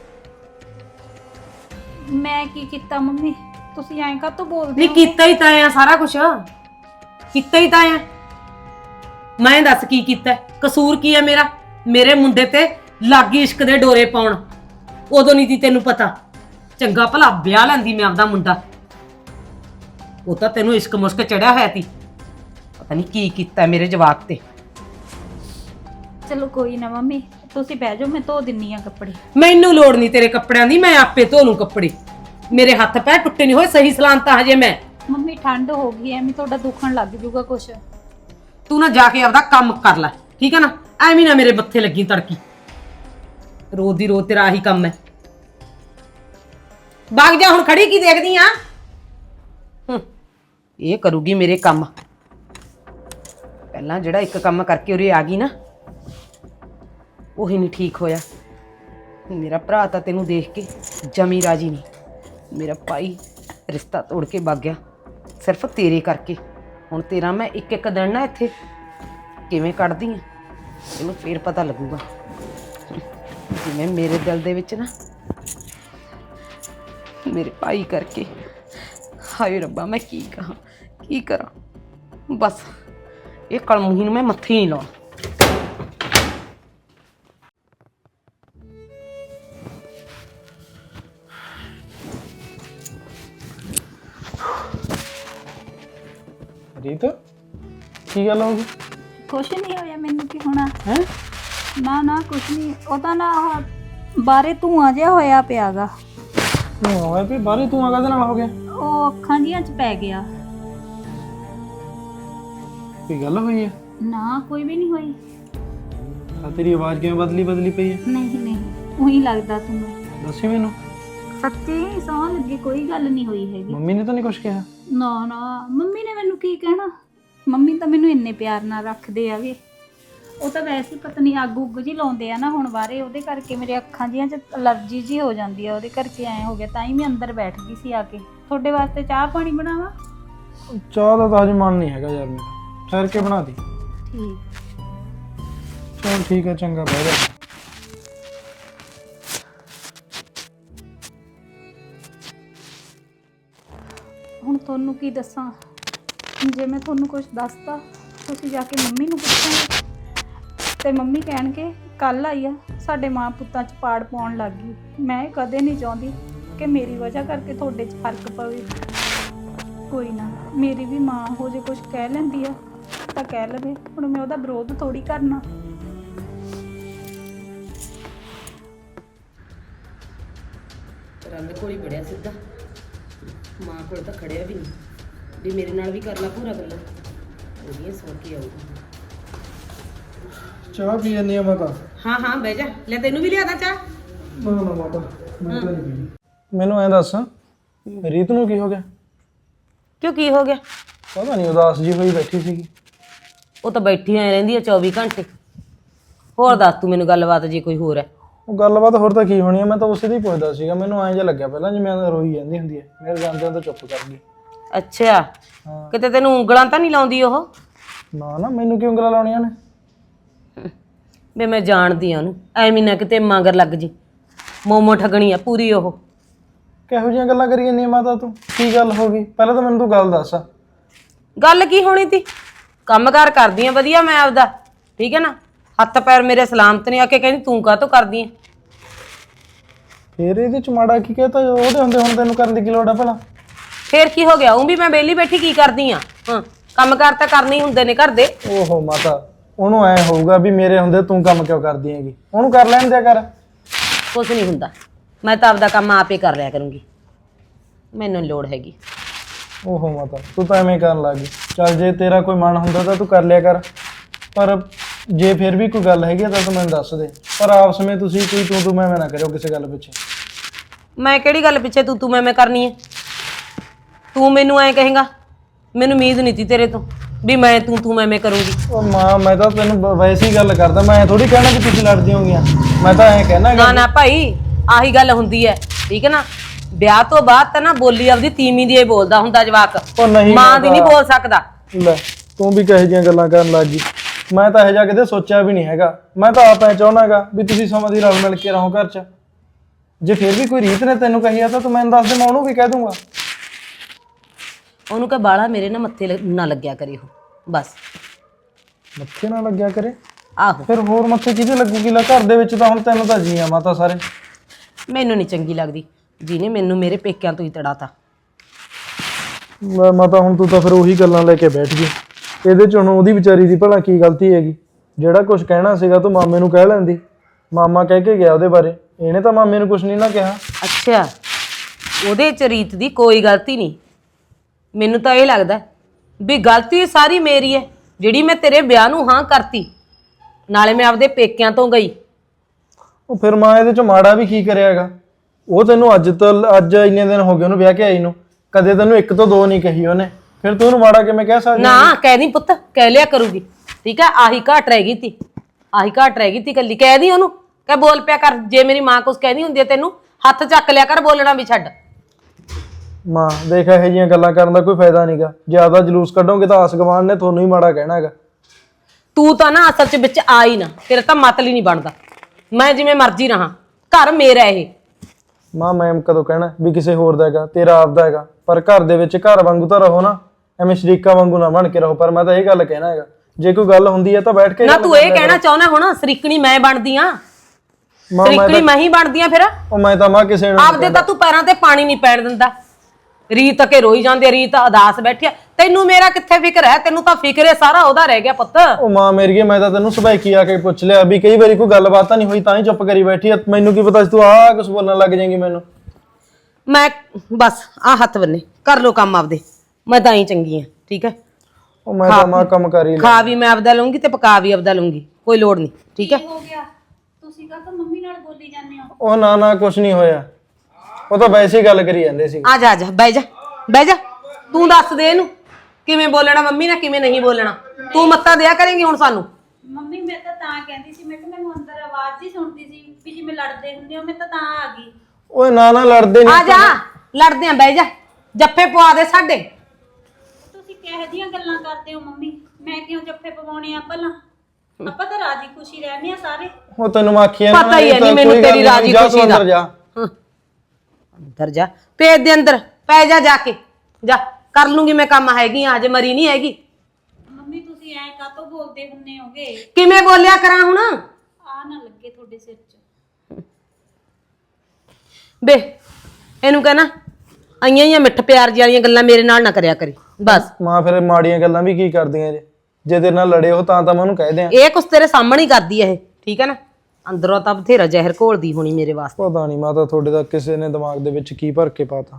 [SPEAKER 1] ਮੈਂ ਕੀ ਕੀਤਾ ਮੰਮੀ? ਤੁਸੀਂ ਐਂ ਕਾਹਤੋਂ ਬੋਲਦੇ
[SPEAKER 2] ਨਹੀਂ
[SPEAKER 1] ਹੋ?
[SPEAKER 2] ਕੀਤਾ ਹੀ ਤਾਂ ਆ, ਸਾਰਾ ਕੁਝ ਕੀਤਾ ਹੀ ਤਾਂ ਆ। ਮੈਂ ਦੱਸ ਕੀ ਕੀਤਾ? ਕਸੂਰ ਕੀ ਹੈ ਮੇਰਾ? ਮੇਰੇ ਮੁੰਡੇ ਤੇ ਲੱਗੀ ਇਸ਼ਕ ਦੇ ਡੋਰੇ ਪਾਉਣ, ਉਦੋਂ ਨਹੀਂ ਤੀ ਤੈਨੂੰ ਪਤਾ? ਚੰਗਾ ਭਲਾ ਵਿਆਹ ਲੈਂਦੀ ਮੈਂ ਆਪਦਾ ਮੁੰਡਾ, ਉਹ ਤਾਂ ਤੈਨੂੰ ਇਸ਼ਕ ਮੁਸ਼ਕ ਚੜਿਆ ਹੋਇਆ ਤੀ, ਪਤਾ ਨਹੀਂ ਕੀ ਕੀਤਾ ਮੇਰੇ ਜਵਾਕ ਤੇ।
[SPEAKER 1] ਚਲੋ ਕੋਈ ਨਾ ਮੰਮੀ, ਤੁਸੀਂ ਬਹਿ ਜਾਓ, ਮੈਂ ਧੋ ਦਿੰਨੀ ਆ ਕੱਪੜੇ।
[SPEAKER 2] ਮੈਨੂੰ ਲੋੜ ਨਹੀਂ ਤੇਰੇ ਕੱਪੜਿਆਂ ਦੀ, ਮੈਂ ਆਪੇ ਧੋ ਲੂੰ ਕੱਪੜੇ। ਮੇਰੇ ਹੱਥ ਪੈਰ ਟੁੱਟੇ ਨਹੀਂ ਹੋਏ, ਸਹੀ ਸਲਾਮਤ ਆ ਹਜੇ ਮੈਂ।
[SPEAKER 1] ਮੰਮੀ ਠੰਡ ਹੋ ਗਈ ਐਵੇਂ ਤੁਹਾਡਾ ਦੁਖਣ ਲੱਗ ਜੂਗਾ ਕੁਛ।
[SPEAKER 2] ਤੂੰ ਨਾ ਜਾ ਕੇ ਆਪਦਾ ਕੰਮ ਕਰ ਲੈ, ਠੀਕ ਹੈ ਨਾ? ਐਵੇਂ ਨਾ ਮੇਰੇ ਮੱਥੇ ਲੱਗੀ ਤੜਕੀ, ਰੋਜ਼ ਦੀ ਰੋਜ਼ ਤੇਰਾ ਆਹੀ ਕੰਮ ਹੈ। ਬਾਗ ਜਾ, ਹੁਣ ਖੜੀ ਕੀ ਦੇਖਦੀ ਆ? ਇਹ ਕਰੂਗੀ ਮੇਰੇ ਕੰਮ। ਪਹਿਲਾਂ ਜਿਹੜਾ ਇੱਕ ਕੰਮ ਕਰਕੇ ਉਰੇ ਆ ਗਈ ਨਾ, ਉਹੀ ਨਹੀਂ ਠੀਕ ਹੋਇਆ। ਮੇਰਾ ਭਰਾ ਤਾਂ ਤੈਨੂੰ ਦੇਖ ਕੇ ਜਮੀ ਰਾਜੀ ਨਹੀਂ, ਮੇਰਾ ਭਾਈ ਰਿਸ਼ਤਾ ਤੋੜ ਕੇ ਵਗ ਗਿਆ ਸਿਰਫ ਤੇਰੇ ਕਰਕੇ। ਹੁਣ ਤੇਰਾ ਮੈਂ ਇੱਕ ਇੱਕ ਦਿਨ ਨਾ ਇੱਥੇ ਕਿਵੇਂ ਕੱਢਦੀ ਆ, ਇਹਨੂੰ ਫੇਰ ਪਤਾ ਲੱਗੂਗਾ। ਜਿਵੇਂ ਮੇਰੇ ਦਿਲ ਦੇ ਵਿੱਚ ਨਾ ਮੇਰੇ ਭਾਈ ਕਰਕੇ, ਹਾਏ ਰੱਬਾ ਮੈਂ ਕੀ ਕਹਾਂ ਕੀ ਕਰਾਂ। ਬਸ ਇਹ ਕਲਮੂਹੀ ਨੂੰ ਮੈਂ ਮੱਥੇ ਨਹੀਂ ਲਾਉਣਾ।
[SPEAKER 5] ਰੀਤ ਕੀ ਗੱਲ ਹੋ ਗਈ?
[SPEAKER 1] ਕੁਛ ਨਹੀਂ ਹੋਇਆ, ਮੈਨੂੰ ਕੀ ਹੋਣਾ?
[SPEAKER 5] ਹੈ
[SPEAKER 1] ਨਾ ਨਾ ਕੁਛ ਨਹੀਂ, ਉਹ ਤਾਂ ਨਾ ਆਹ ਬਾਹਰੇ ਧੂਆਂ ਜਿਹਾ ਹੋਇਆ ਪਿਆਗਾ।
[SPEAKER 5] ਹੋਇਆ ਵੀ ਬਾਰੇ ਤੂੰ ਆਗਾ ਦੇ ਨਾਲ ਹੋ ਗਿਆ?
[SPEAKER 1] ਉਹ ਅੱਖਾਂ ਜੀਆਂ ਚ ਪੈ ਗਿਆ।
[SPEAKER 5] ਕੀ ਗੱਲ ਹੋਈ ਹੈ?
[SPEAKER 1] ਨਾ ਕੋਈ ਵੀ ਨਹੀਂ ਹੋਈ।
[SPEAKER 5] ਆ ਤੇਰੀ ਆਵਾਜ਼ ਕਿਵੇਂ ਬਦਲੀ ਪਈ ਹੈ?
[SPEAKER 1] ਨਹੀਂ ਨਹੀਂ, ਉਹੀ ਲੱਗਦਾ ਤੁਹਾਨੂੰ।
[SPEAKER 5] ਦੱਸੀ ਮੈਨੂੰ।
[SPEAKER 1] ਸੱਚੀ ਸੌਂ ਲੱਗੀ, ਕੋਈ ਗੱਲ ਨਹੀਂ ਹੋਈ ਹੈਗੀ।
[SPEAKER 5] ਮੰਮੀ ਨੇ ਤਾਂ ਨਹੀਂ ਕੁਝ ਕਿਹਾ?
[SPEAKER 1] ਨਾ ਨਾ, ਮੰਮੀ ਨੇ ਮੈਨੂੰ ਕੀ ਕਹਿਣਾ? ਮੰਮੀ ਤਾਂ ਮੈਨੂੰ ਇੰਨੇ ਪਿਆਰ ਨਾਲ ਰੱਖਦੇ ਆ ਵੀ। ਉਹ ਤਾਂ ਵੈਸੇ ਪਤਾ ਨਹੀਂ ਅੱਗ ਉੱਗ ਜੀ ਲਾਉਂਦੇ ਆ ਨਾ ਹੁਣ ਬਾਹਰੇ, ਉਹਦੇ ਕਰਕੇ ਮੇਰੇ ਅੱਖਾਂ ਜੀਆਂ 'ਚ ਅਲਰਜੀ ਜੀ ਹੋ ਜਾਂਦੀ ਆ, ਉਹਦੇ ਕਰਕੇ ਐਂ ਹੋ ਗਿਆ। ਤਾਂ ਹੀ ਮੈਂ ਅੰਦਰ ਬੈਠ ਗਈ ਸੀ ਆ ਕੇ। ਤੁਹਾਡੇ ਵਾਸਤੇ ਚਾਹ ਪਾਣੀ ਬਣਾਵਾਂ?
[SPEAKER 5] ਚਾਹ ਦਾ ਤਾਂ ਅੱਜ ਮਨ ਨਹੀਂ ਹੈਗਾ ਯਾਰ ਮੇਰਾ, ਠਹਿਰ ਕੇ ਬਣਾ ਦੀ।
[SPEAKER 1] ਠੀਕ।
[SPEAKER 5] ਚਲ ਠੀਕ ਹੈ, ਚੰਗਾ ਬਹਿ ਜਾ।
[SPEAKER 1] ਹੁਣ ਤੁਹਾਨੂੰ ਕੀ ਦੱਸਾਂ? ਜੇ ਮੈਂ ਤੁਹਾਨੂੰ ਕੁਝ ਦੱਸਤਾ ਤੁਸੀਂ ਜਾ ਕੇ ਮੰਮੀ ਨੂੰ ਪੁੱਛੋਗੇ ਤੇ ਮੰਮੀ ਕਹਿਣਗੇ ਕੱਲ ਆਈ ਆ ਸਾਡੇ ਮਾਂ ਪੁੱਤਾਂ 'ਚ ਪਾੜ ਪਾਉਣ ਲੱਗ ਗਈ। ਮੈਂ ਕਦੇ ਨਹੀਂ ਚਾਹੁੰਦੀ ਕਿ ਮੇਰੀ ਵਜ੍ਹਾ ਕਰਕੇ ਤੁਹਾਡੇ 'ਚ ਫਰਕ ਪਵੇ। ਕੋਈ ਨਾ, ਮੇਰੀ ਵੀ ਮਾਂ ਹੋ ਜੇ ਕੁਝ ਕਹਿ ਲੈਂਦੀ ਆ ਤਾਂ ਕਹਿ ਲਵੇ, ਹੁਣ ਮੈਂ ਉਹਦਾ ਵਿਰੋਧ ਥੋੜੀ ਕਰਨਾ।
[SPEAKER 2] ਰੰਗ ਕੋਲੀ ਬੜਿਆ ਸਿੱਧਾ ਮਾਂ ਕੋਲ ਤਾਂ ਖੜਿਆ ਵੀ ਨਹੀਂ ਵੀ ਮੇਰੇ ਨਾਲ ਵੀ ਕਰ ਲਾ ਪੂਰਾ ਗੱਲਾਂ ਉਹਦੀਆਂ ਸੁਣ ਕੇ ਆਊਗੀ।
[SPEAKER 5] ਚਾਹ ਪੀ ਜਾਂਦੀ ਆ ਮਾਤਾ।
[SPEAKER 2] ਹਾਂ ਹਾਂ ਬਹਿ ਜਾ, ਲੈ ਤੈਨੂੰ ਵੀ ਲਿਆਦਾ ਚਾਹ।
[SPEAKER 5] ਨਾ ਨਾ ਮਾਤਾ ਮੈਂ ਤਾਂ ਨਹੀਂ ਪੀਣੀ। ਮੈਨੂੰ ਐਂ ਦੱਸ ਰੀਤ ਨੂੰ ਕੀ ਹੋ ਗਿਆ?
[SPEAKER 2] ਕਿਉਂ ਕੀ ਹੋ ਗਿਆ?
[SPEAKER 5] ਪਤਾ ਨਹੀਂ ਉਦਾਸ ਜੀ ਹੋਈ ਬੈਠੀ ਸੀਗੀ।
[SPEAKER 2] ਉਹ ਤਾਂ ਬੈਠੀ ਐ ਰਹਿੰਦੀ ਆ 24 ਘੰਟੇ। ਹੋਰ ਦੱਸ ਤੂੰ ਮੈਨੂੰ ਗੱਲਬਾਤ ਜੇ ਕੋਈ ਹੋਰ ਹੈ।
[SPEAKER 5] ਉਹ ਗੱਲਬਾਤ ਹੋਰ ਤਾਂ ਕੀ ਹੋਣੀ ਆ, ਮੈਂ ਤਾਂ ਉਸੇ ਦੀ ਪੁੱਛਦਾ ਸੀਗਾ। ਮੈਨੂੰ ਐਂ ਜਿਹਾ ਲੱਗਿਆ ਪਹਿਲਾਂ ਜਿਵੇਂ ਐਂ ਰੋਈ ਜਾਂਦੀ ਹੁੰਦੀ ਹੈ, ਮੇਰੇ ਜਾਂਦਿਆਂ ਤਾਂ ਚੁੱਪ ਕਰ ਗਈ।
[SPEAKER 2] ਅੱਛਾ
[SPEAKER 5] ਹਾਂ।
[SPEAKER 2] ਕਿਤੇ ਤੈਨੂੰ ਉਂਗਲਾਂ ਤਾਂ ਨਹੀਂ ਲਾਉਂਦੀ ਉਹ?
[SPEAKER 5] ਨਾ ਨਾ ਮੈਨੂੰ ਕਿਉਂ ਉਂਗਲਾਂ ਲਾਉਣੀਆਂ ਨੇ?
[SPEAKER 2] ਵੀ ਮੈਂ ਜਾਣਦੀ ਆ ਉਹਨੂੰ, ਐਵੇਂ ਨਾ ਕਿਤੇ ਮਗਰ ਲੱਗ ਜੀ। ਮੋਮੋ ਠੱਗਣੀ ਆ ਪੂਰੀ ਉਹ।
[SPEAKER 5] ਕਿਹੋ ਜਿਹੀਆਂ ਗੱਲਾਂ ਕਰੀ ਜਾਂਦੀ ਆ ਮਾਤਾ ਤੂੰ? ਕੀ ਗੱਲ ਹੋ ਗਈ ਪਹਿਲਾਂ ਤਾਂ ਮੈਨੂੰ ਤੂੰ ਗੱਲ ਦੱਸ।
[SPEAKER 2] ਗੱਲ ਕੀ ਹੋਣੀ ਤੀ? ਕੰਮਕਾਰ ਕਰਦੀ ਆ ਵਧੀਆ ਮੈਂ ਆਪਦਾ, ਠੀਕ ਹੈ ਨਾ। ਹੱਥ ਪੈਰ ਮੇਰੇ ਸਲਾਮਤ ਨੇ। ਆ ਕੇ ਕਹਿੰਦੀ ਤੂੰ ਕਾਹਤੋਂ ਕਰਦੀ ਆ?
[SPEAKER 5] ਫੇਰ ਇਹਦੇ ਚ ਮਾੜਾ ਕੀ ਕਹਤਾ? ਉਹਦੇ ਹੁੰਦੇ ਹੁਣ ਤੈਨੂੰ ਕਰਨ ਦੀ ਕੀ ਲੋੜ ਆ ਭਲਾ?
[SPEAKER 2] ਫੇਰ ਕੀ ਹੋ ਗਿਆ? ਉਹ ਵੀ ਮੈਂ ਵਿਹਲੀ ਬੈਠੀ ਕੀ ਕਰਦੀ ਆ? ਹਾਂ ਕੰਮਕਾਰ ਤਾਂ ਕਰਨੇ ਹੀ ਹੁੰਦੇ ਨੇ ਘਰ ਦੇ।
[SPEAKER 5] ਓਹੋ ਮਾਤਾ, ਉਹਨੂੰ ਐ ਹੋਊਗਾ ਵੀ ਮੇਰੇ ਹੁੰਦੇ ਤੂੰ ਕੰਮ ਕਿਉਂ ਕਰਦੀ ਹੈਗੀ? ਉਹਨੂੰ ਕਰ ਲੈਣ ਦਿਆ ਕਰ।
[SPEAKER 2] ਕੁਛ ਨਹੀਂ ਹੁੰਦਾ, ਮੈਂ ਤਾਂ ਆਪਦਾ ਕੰਮ ਆਪੇ ਕਰ ਲਿਆ ਕਰੂੰਗੀ, ਮੈਨੂੰ ਨੀ ਲੋੜ ਹੈਗੀ।
[SPEAKER 5] ਓਹੋ ਮਾਤਾ, ਤੂੰ ਤਾਂ ਐਵੇਂ ਕਰਨ ਲੱਗ ਗਈ। ਚੱਲ ਜੇ ਤੇਰਾ ਕੋਈ ਮਨ ਹੁੰਦਾ ਤਾਂ ਤੂੰ ਕਰ ਲਿਆ ਕਰ, ਪਰ ਜੇ ਫਿਰ ਵੀ ਕੋਈ ਗੱਲ ਹੈਗੀ ਤਾਂ ਤੂੰ ਮੈਨੂੰ ਦੱਸ ਦੇ। ਪਰ ਆਪਸ ਵਿੱਚ ਤੁਸੀਂ ਕੋਈ ਤੂੰ ਮੈਂ ਨਾ ਕਰਿਓ ਕਿਸੇ ਗੱਲ ਪਿੱਛੇ।
[SPEAKER 2] ਮੈਂ ਕਿਹੜੀ ਗੱਲ ਪਿੱਛੇ ਤੂੰ ਮੈਂ ਕਰਨੀ ਹੈ? ਤੂੰ ਮੈਨੂੰ ਐਂ ਕਹੇਗਾ? ਮੈਨੂੰ ਉਮੀਦ ਨਹੀਂ ਸੀ ਤੇਰੇ ਤੋਂ ਵੀ ਮੈਂ ਤੂੰ ਮੈਂ ਕਰੂੰਗੀ।
[SPEAKER 5] ਉਹ ਮਾਂ, ਮੈਂ ਤਾਂ ਤੈਨੂੰ ਵੈਸੇ ਹੀ ਗੱਲ ਕਰਦਾ। ਮੈਂ ਥੋੜੀ ਕਹਿਣਾ ਕਿ ਤੁਸੀਂ ਲੜਦੀ ਹੋਗੀਆਂ। ਮੈਂ ਤਾਂ ਐਂ ਕਹਿਣਾ
[SPEAKER 2] ਨਾ ਨਾ ਭਾਈ, ਆਹੀ ਗੱਲ ਹੁੰਦੀ ਹੈ, ਠੀਕ ਹੈ ਨਾ। ਵਿਆਹ ਤੋਂ ਬਾਅਦ ਤਾਂ ਨਾ ਬੋਲੀ ਆਪਦੀ ਤੀਵੀਂ ਦੀ ਹੀ ਬੋਲਦਾ ਹੁੰਦਾ ਜਵਾਕ,
[SPEAKER 5] ਉਹ ਨਹੀਂ
[SPEAKER 2] ਮਾਂ ਦੀ ਨਹੀਂ ਬੋਲ ਸਕਦਾ।
[SPEAKER 5] ਲੈ ਤੂੰ ਵੀ ਕਹੇ ਜਿਹੀਆਂ ਗੱਲਾਂ ਕਰਨ ਲੱਗ ਗਈ। ਮੈਂ ਤਾਂ ਇਹ ਜਾ ਕਿਤੇ ਸੋਚਿਆ ਵੀ ਨਹੀਂ ਹੈਗਾ। ਮੈਂ ਤਾਂ ਆਪ ਐ ਚਾਹਣਾਗਾ ਵੀ ਤੁਸੀਂ ਸਮਾਂ ਦੀ ਰਲ ਮਿਲ ਕੇ ਰਹੋ ਘਰ 'ਚ। ਜੇ ਫਿਰ ਵੀ ਕੋਈ ਰੀਤ ਨੇ ਤੈਨੂੰ ਕਹੀ ਆ ਤਾਂ ਤੂੰ ਮੈਨੂੰ ਦੱਸ ਦੇ, ਮੈਂ ਉਹਨੂੰ ਵੀ ਕਹਿ ਦੂੰਗਾ।
[SPEAKER 2] ਉਹਨੂੰ ਕਹ ਬਾਲਾ ਮੇਰੇ ਨਾ ਮੱਥੇ ਨਾ ਲੱਗਿਆ ਕਰੀ ਉਹ, ਬਸ।
[SPEAKER 5] ਮੱਥੇ ਨਾ ਲੱਗਿਆ ਕਰੇ?
[SPEAKER 2] ਆਹੋ
[SPEAKER 5] ਫਿਰ ਹੋਰ ਮੱਥੇ ਕਿਹਦੇ ਲੱਗੂਗੀ? ਲੈ ਘਰ ਦੇ ਵਿੱਚ ਤਾਂ ਹੁਣ ਤੈਨੂੰ ਤਾਂ ਜੀ ਆ ਮਾਤਾ ਸਾਰੇ।
[SPEAKER 2] ਮੈਨੂੰ ਨਹੀਂ ਚੰਗੀ ਲੱਗਦੀ ਜਿਹਨੇ ਮੈਨੂੰ ਮੇਰੇ ਪੇਕਿਆਂ ਤੋਂ ਹੀ ਤੜਾਤਾ।
[SPEAKER 5] ਮਾਤਾ ਹੁਣ ਤੂੰ ਤਾਂ ਫਿਰ ਉਹੀ ਗੱਲਾਂ ਲੈ ਕੇ ਬੈਠ ਗਈ। ਇਹਦੇ 'ਚ ਹੁਣ ਉਹਦੀ ਵਿਚਾਰੀ ਦੀ ਭਲਾ ਕੀ ਗਲਤੀ ਹੈਗੀ? ਜਿਹੜਾ ਕੁਝ ਕਹਿਣਾ ਸੀਗਾ ਤੂੰ ਮਾਮੇ ਨੂੰ ਕਹਿ ਲੈਂਦੀ। ਮਾਮਾ ਕਹਿ ਕੇ ਗਿਆ ਉਹਦੇ ਬਾਰੇ, ਇਹਨੇ ਤਾਂ ਮਾਮੇ ਨੂੰ ਕੁਝ ਨਹੀਂ ਨਾ ਕਿਹਾ।
[SPEAKER 2] ਅੱਛਾ, ਉਹਦੇ ਚ ਰੀਤ ਦੀ ਕੋਈ ਗਲਤੀ ਨਹੀਂ। ਮੈਨੂੰ ਤਾਂ ਇਹ ਲੱਗਦਾ ਵੀ ਗਲਤੀ ਸਾਰੀ ਮੇਰੀ ਹੈ, ਜਿਹੜੀ ਮੈਂ ਤੇਰੇ ਵਿਆਹ ਨੂੰ ਹਾਂ ਕਰਤੀ, ਨਾਲੇ ਮੈਂ ਆਪਦੇ ਪੇਕਿਆਂ ਤੋਂ ਗਈ।
[SPEAKER 5] ਉਹ ਫਿਰ ਮਾਂ ਇਹਦੇ 'ਚ ਮਾੜਾ ਵੀ ਕੀ ਕਰਿਆ ਹੈਗਾ? ਉਹ ਤੈਨੂੰ ਅੱਜ ਇੰਨੇ ਦਿਨ ਹੋ ਗਏ ਉਹਨੂੰ ਵਿਆਹ ਕੇ ਆਈ ਨੂੰ, ਕਦੇ ਤੈਨੂੰ ਇੱਕ ਤੋਂ ਦੋ ਨਹੀਂ ਕਹੀ ਉਹਨੇ। ਫਿਰ ਤੂੰ ਉਹਨੂੰ ਮਾੜਾ ਕਿਵੇਂ ਕਹਿ ਸਕਦੀ?
[SPEAKER 2] ਨਾ ਕਹਿ ਪੁੱਤ, ਕਹਿ ਲਿਆ ਕਰੂਗੀ, ਠੀਕ ਹੈ। ਆਹੀ ਘਾਟ ਰਹਿ ਗਈ ਤੀ, ਆਹੀ ਘਾਟ ਰਹਿ ਗਈ ਤੀ ਕੱਲੀ। ਕਹਿ ਦੀ ਉਹਨੂੰ, ਕਹਿ ਬੋਲ ਪਿਆ ਕਰ। ਜੇ ਮੇਰੀ ਮਾਂ ਕੁਛ ਕਹਿੰਦੀ ਹੁੰਦੀ ਹੈ ਤੈਨੂੰ, ਹੱਥ ਚੱਕ ਲਿਆ ਕਰ, ਬੋਲਣਾ ਵੀ ਛੱਡ।
[SPEAKER 5] ਮਾਂ ਦੇਖ, ਇਹੋ ਜਿਹੀਆਂ ਗੱਲਾਂ ਕਰਨ ਦਾ ਕੋਈ ਫਾਇਦਾ ਨਹੀਂਗਾ। ਜ਼ਿਆਦਾ ਜਲੂਸ ਕੱਢੋਗੇ ਤਾਂ ਆਸ ਗਵਾਨ ਨੇ ਤੁਹਾਨੂੰ ਹੀ ਮਾੜਾ ਕਹਿਣਾ ਹੈਗਾ।
[SPEAKER 2] ਤੂੰ ਤਾਂ ਨਾ ਅਸਲ 'ਚ ਵਿੱਚ ਆ ਹੀ ਨਾ, ਤੇਰਾ ਤਾਂ ਮਤਲਬ ਹੀ ਨਹੀਂ ਬਣਦਾ। ਮੈਂ ਜਿਵੇਂ ਮਰਜ਼ੀ ਰਹਾ, ਘਰ ਮੇਰਾ ਇਹ।
[SPEAKER 5] ਮਾਂ ਮੈਂ ਕਦੋਂ ਕਹਿਣਾ ਵੀ ਕਿਸੇ ਹੋਰ ਦਾ ਹੈਗਾ? ਤੇਰਾ ਆਪਦਾ ਹੈਗਾ। ਪਰ ਘਰ ਦੇ ਵਿੱਚ ਘਰ ਵਾਂਗੂ ਤਾਂ ਰਹੋ ਨਾ, ਐਵੇਂ ਸ਼ਰੀਕਾ ਵਾਂਗੂ ਨਾ ਬਣ ਕੇ ਰਹੋ। ਪਰ ਮੈਂ ਤਾਂ ਇਹ ਗੱਲ ਕਹਿਣਾ ਹੈਗਾ, ਜੇ ਕੋਈ ਗੱਲ ਹੁੰਦੀ ਹੈ ਤਾਂ ਬੈਠ ਕੇ
[SPEAKER 2] ਨਾ ਤੂੰ ਇਹ ਕਹਿਣਾ ਚਾਹੁੰਦਾ ਹੁਣ ਸਰੀਕਣੀ ਮੈਂ ਬਣਦੀ ਆ? ਸਰੀਕਣੀ ਮੈਂ ਹੀ ਬਣਦੀ ਆ ਫਿਰ?
[SPEAKER 5] ਉਹ ਮੈਂ ਤਾਂ ਮਾਂ ਕਿਸੇ ਨੂੰ
[SPEAKER 2] ਆਪਦੇ ਤਾਂ ਤੂੰ ਪੈਰਾਂ ਤੇ ਪਾਣੀ ਨਹੀਂ ਪੈਣ ਦਿੰਦਾ। ਰੀਤ ਕੇ ਰੋਈ ਜਾਂਦੀ, ਰੀਤ ਉਦਾਸ ਬੈਠੀ ਆ। ਤੈਨੂੰ ਮੇਰਾ ਕਿੱਥੇ ਫਿਕਰ ਹੈ? ਤੈਨੂੰ ਤਾਂ ਫਿਕਰ ਹੈ ਸਾਰਾ ਉਹਦਾ ਰਹਿ ਗਿਆ ਪੁੱਤ।
[SPEAKER 5] ਉਹ ਮਾਂ ਮੇਰੀਏ, ਮੈਂ ਤਾਂ ਤੈਨੂੰ ਸਭਾਈਕੀ ਆ ਕੇ ਪੁੱਛ ਲਿਆ ਵੀ ਕਈ ਵਾਰੀ ਕੋਈ ਗੱਲਬਾਤ ਤਾਂ ਨਹੀਂ ਹੋਈ ਤਾਂ ਹੀ ਚੁੱਪ ਕਰੀ ਬੈਠੀ ਆ। ਮੈਨੂੰ ਕੀ ਪਤਾ ਸੀ ਤੂੰ ਆਹ ਕੁਝ ਬੋਲਣ ਲੱਗ ਜਾਏਂਗੀ ਮੈਨੂੰ।
[SPEAKER 2] ਮੈਂ ਬਸ ਆ ਹੱਥ ਬੰਨੇ ਕਰ ਲੋ ਕੰਮ ਆਪਦੇ, ਮੈਂ ਤਾਂ ਹੀ ਚੰਗੀ ਆ, ਠੀਕ ਹੈ।
[SPEAKER 5] ਉਹ ਮੈਂ ਤਾਂ ਮਾਂ ਕੰਮ ਕਰ ਹੀ ਲਿਆ।
[SPEAKER 2] ਖਾ ਵੀ ਮੈਂ ਆਪਦਾ ਲਊਂਗੀ ਤੇ ਪਕਾ ਵੀ ਆਪਦਾ ਲਊਂਗੀ, ਕੋਈ ਲੋੜ ਨਹੀਂ, ਠੀਕ ਹੈ।
[SPEAKER 1] ਹੋ ਗਿਆ? ਤੁਸੀਂ ਕਾਹ ਤੋਂ ਮੰਮੀ ਨਾਲ ਬੋਲੀ ਜਾਂਦੇ ਹੋ?
[SPEAKER 5] ਉਹ ਨਾ ਨਾ ਕੁਝ ਨਹੀਂ ਹੋਇਆ, ਉਹ ਤਾਂ ਵੈਸੇ ਹੀ ਗੱਲ ਕਰੀ ਜਾਂਦੇ ਸੀ।
[SPEAKER 2] ਆ ਜਾ ਬਹਿ ਜਾ ਬਹਿ ਜਾ। ਤੂੰ ਦੱਸ ਦੇ ਇਹਨੂੰ ਕਿਵੇਂ ਬੋਲਣਾ ਮੰਮੀ ਨਾਲ, ਕਿਵੇਂ ਨਹੀਂ ਬੋਲਣਾ। ਤੂੰ ਮੱਤਾਂ ਦਿਆ ਕਰੇਂਗੀ ਹੁਣ ਸਾਨੂੰ।
[SPEAKER 1] ਮੰਮੀ ਮੈਂ ਤਾਂ ਕਹਿੰਦੀ ਸੀ, ਮੈਂ ਕਿ ਮੈਨੂੰ ਅੰਦਰ ਆਵਾਜ਼ ਜੀ ਸੁਣਦੀ ਸੀ ਵੀ ਜਿਵੇਂ ਲੜਦੇ ਹੁੰਦੇ ਹੋ। ਮੈਂ ਤਾਂ ਆ ਗਈ।
[SPEAKER 5] ਓਏ ਨਾ ਨਾ ਲੜਦੇ ਨਹੀਂ।
[SPEAKER 2] ਆ ਜਾ, ਲੜਦੇ ਆ, ਬਹਿ ਜਾ। ਜੱਫੇ ਪਵਾ ਦੇ ਸਾਡੇ।
[SPEAKER 1] ਤੁਸੀਂ ਕਿਹੋ ਜਿਹੀਆਂ ਗੱਲਾਂ ਕਰਦੇ ਹੋ ਮੰਮੀ? ਮੈਂ ਕਿਉਂ ਜੱਫੇ ਪਵਾਉਣੇ ਆ? ਭਲਾ ਆਪਾਂ ਤਾਂ ਰਾਜੀ ਖੁਸ਼ੀ ਰਹਿੰਦੇ ਆ ਸਾਰੇ।
[SPEAKER 5] ਉਹ ਤੈਨੂੰ ਆਖਿਆ
[SPEAKER 2] ਪਤਾ ਹੀ ਹੈ ਨਹੀਂ ਮੈਨੂੰ ਤੇਰੀ ਰਾਜੀ ਖੁਸ਼ੀ ਦਾ।
[SPEAKER 5] ਅੰਦਰ ਜਾ,
[SPEAKER 2] ਅੰਦਰ ਜਾ, ਪੇਟ ਦੇ ਅੰਦਰ ਪੈ ਜਾ, ਜਾ ਕੇ ਜਾ। ਕਰ ਲੂੰਗੀ ਮੈਂ ਕੰਮ, ਹੈਗੀ ਆ, ਅਜੇ ਮਰੀ ਨਹੀਂ ਹੈਗੀ।
[SPEAKER 1] ਮੰਮੀ ਤੁਸੀਂ ਐ ਕਾਹਤੋਂ ਬੋਲਦੇ ਹੁੰਨੇ ਹੋਗੇ?
[SPEAKER 2] ਕਿਵੇਂ ਬੋਲਿਆ ਕਰਾਂ ਹੁਣ?
[SPEAKER 1] ਆ ਨਾ ਲੱਗੇ ਤੁਹਾਡੇ ਸਿਰ 'ਚ।
[SPEAKER 2] ਬੇ ਇਹਨੂੰ ਕਹਿਣਾ ਆਈਆਂ ਹੀ ਮਿੱਠ ਪਿਆਰ ਵਾਲੀਆਂ ਗੱਲਾਂ ਮੇਰੇ ਨਾਲ ਨਾ ਕਰਿਆ ਕਰੀ, ਬਸ।
[SPEAKER 5] ਮਾਂ ਫਿਰ ਮਾੜੀਆਂ ਗੱਲਾਂ ਵੀ ਕੀ ਕਰਦੀਆਂ ਜੇ ਤੇਰੇ ਨਾਲ ਲੜੇ ਉਹ ਤਾਂ ਮੈਂ ਉਹਨੂੰ ਕਹਿ ਦਿਆਂ।
[SPEAKER 2] ਇਹ ਕੁਛ ਤੇਰੇ ਸਾਹਮਣੇ ਹੀ ਕਰਦੀ ਹੈ ਇਹ, ਠੀਕ ਹੈ ਨਾ। ਅੰਦਰੋਂ ਤਾਂ ਬਥੇਰਾ ਜ਼ਹਿਰ ਘੋਲਦੀ ਹੋਣੀ ਮੇਰੇ ਵਾਸਤੇ।
[SPEAKER 5] ਪਤਾ ਨਹੀਂ ਮਾਤਾ ਤੁਹਾਡੇ ਦਾ ਕਿਸੇ ਨੇ ਦਿਮਾਗ ਦੇ ਵਿੱਚ ਕੀ ਭਰ ਕੇ ਪਾਤਾ।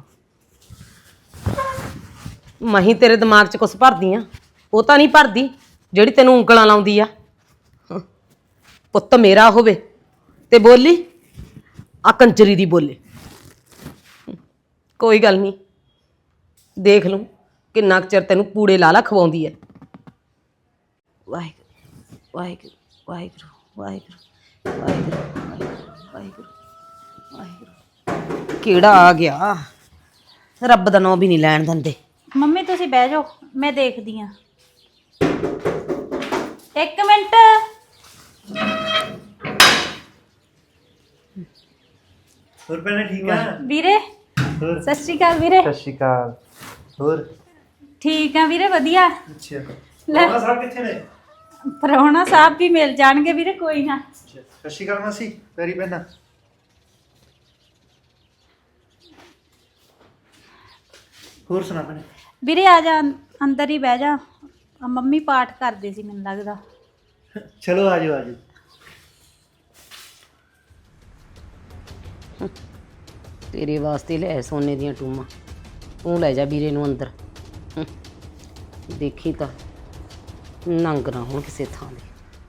[SPEAKER 2] ਮਹੀਂ ਤੇਰੇ ਦਿਮਾਗ 'ਚ ਕੁਛ ਭਰਦੀ ਆ, ਉਹ ਤਾਂ ਨਹੀਂ ਭਰਦੀ ਜਿਹੜੀ ਤੈਨੂੰ ਉਂਗਲਾਂ ਲਾਉਂਦੀ ਆ। ਪੁੱਤ ਮੇਰਾ ਹੋਵੇ ਤੇ ਬੋਲੀ ਆ ਕੰਜਰੀ ਦੀ ਬੋਲੇ। ਕੋਈ ਗੱਲ ਨਹੀਂ, ਦੇਖ ਲੂੰ ਕਿੰਨਾ ਕੁ ਚਿਰ ਤੈਨੂੰ ਪੂੜੇ ਲਾ ਖਵਾਉਂਦੀ ਐ। ਵਾਹਿਗੁਰੂ ਵਾਹਿਗੁਰੂ ਵਾਹਿਗੁਰੂ ਵਾਹਿਗੁਰੂ ਵਾਹਿਗੁਰੂ ਵਾਹਿਗੁਰੂ ਵਾਹਿਗੁਰੂ। ਕਿਹੜਾ ਆ ਗਿਆ, ਰੱਬ ਦਾ ਨਾਂ ਵੀ ਨਹੀਂ ਲੈਣ ਦਿੰਦੇ।
[SPEAKER 1] ਮੰਮੀ ਤੁਸੀਂ ਬਹਿ ਜਾਓ, ਮੈਂ ਦੇਖਦੀ ਆ। 1 ਮਿੰਟ।
[SPEAKER 6] ਹੋਰ ਭੈਣੇ ਠੀਕ ਆ?
[SPEAKER 1] ਵੀਰੇ ਸਤਿ ਸ਼੍ਰੀ ਅਕਾਲ ਵੀਰੇ।
[SPEAKER 6] ਸਤਿ ਸ਼੍ਰੀ ਅਕਾਲ। ਹੋਰ
[SPEAKER 1] ਠੀਕ ਆ ਵੀਰੇ, ਵਧੀਆ।
[SPEAKER 6] ਅੱਛਾ
[SPEAKER 1] ਲੈ
[SPEAKER 6] ਮਾਂ ਸਾਹਿਬ ਕਿੱਥੇ ਨੇ?
[SPEAKER 1] ਪ੍ਰਾਹੁਣਾ ਸਾਹਿਬ ਵੀ ਮਿਲ ਜਾਣਗੇ ਵੀਰੇ, ਕੋਈ ਨਾ।
[SPEAKER 6] ਸਤਿ ਸ਼੍ਰੀ ਅਕਾਲ ਮਾਸੀ, ਪੈਰੀ ਪੈਣਾ। ਹੋਰ ਸੁਣਾ ਭੈਣੇ?
[SPEAKER 1] ਵੀਰੇ ਆ ਜਾ, ਅੰਦਰ ਹੀ ਬਹਿ ਜਾ। ਆ ਮੰਮੀ ਪਾਠ ਕਰਦੇ ਸੀ ਮੈਨੂੰ ਲੱਗਦਾ।
[SPEAKER 6] ਚਲੋ ਆ ਜਾਓ ਆ ਜਾਓ।
[SPEAKER 2] ਤੇਰੇ ਵਾਸਤੇ ਲੈ ਸੋਨੇ ਦੀਆਂ ਟੂਮਾਂ, ਤੂੰ ਲੈ ਜਾ ਵੀਰੇ ਨੂੰ ਅੰਦਰ। ਦੇਖੀ ਤਾਂ ਨੰਗ ਨਾ ਹੋਣ ਕਿਸੇ ਥਾਂ ਦੇ।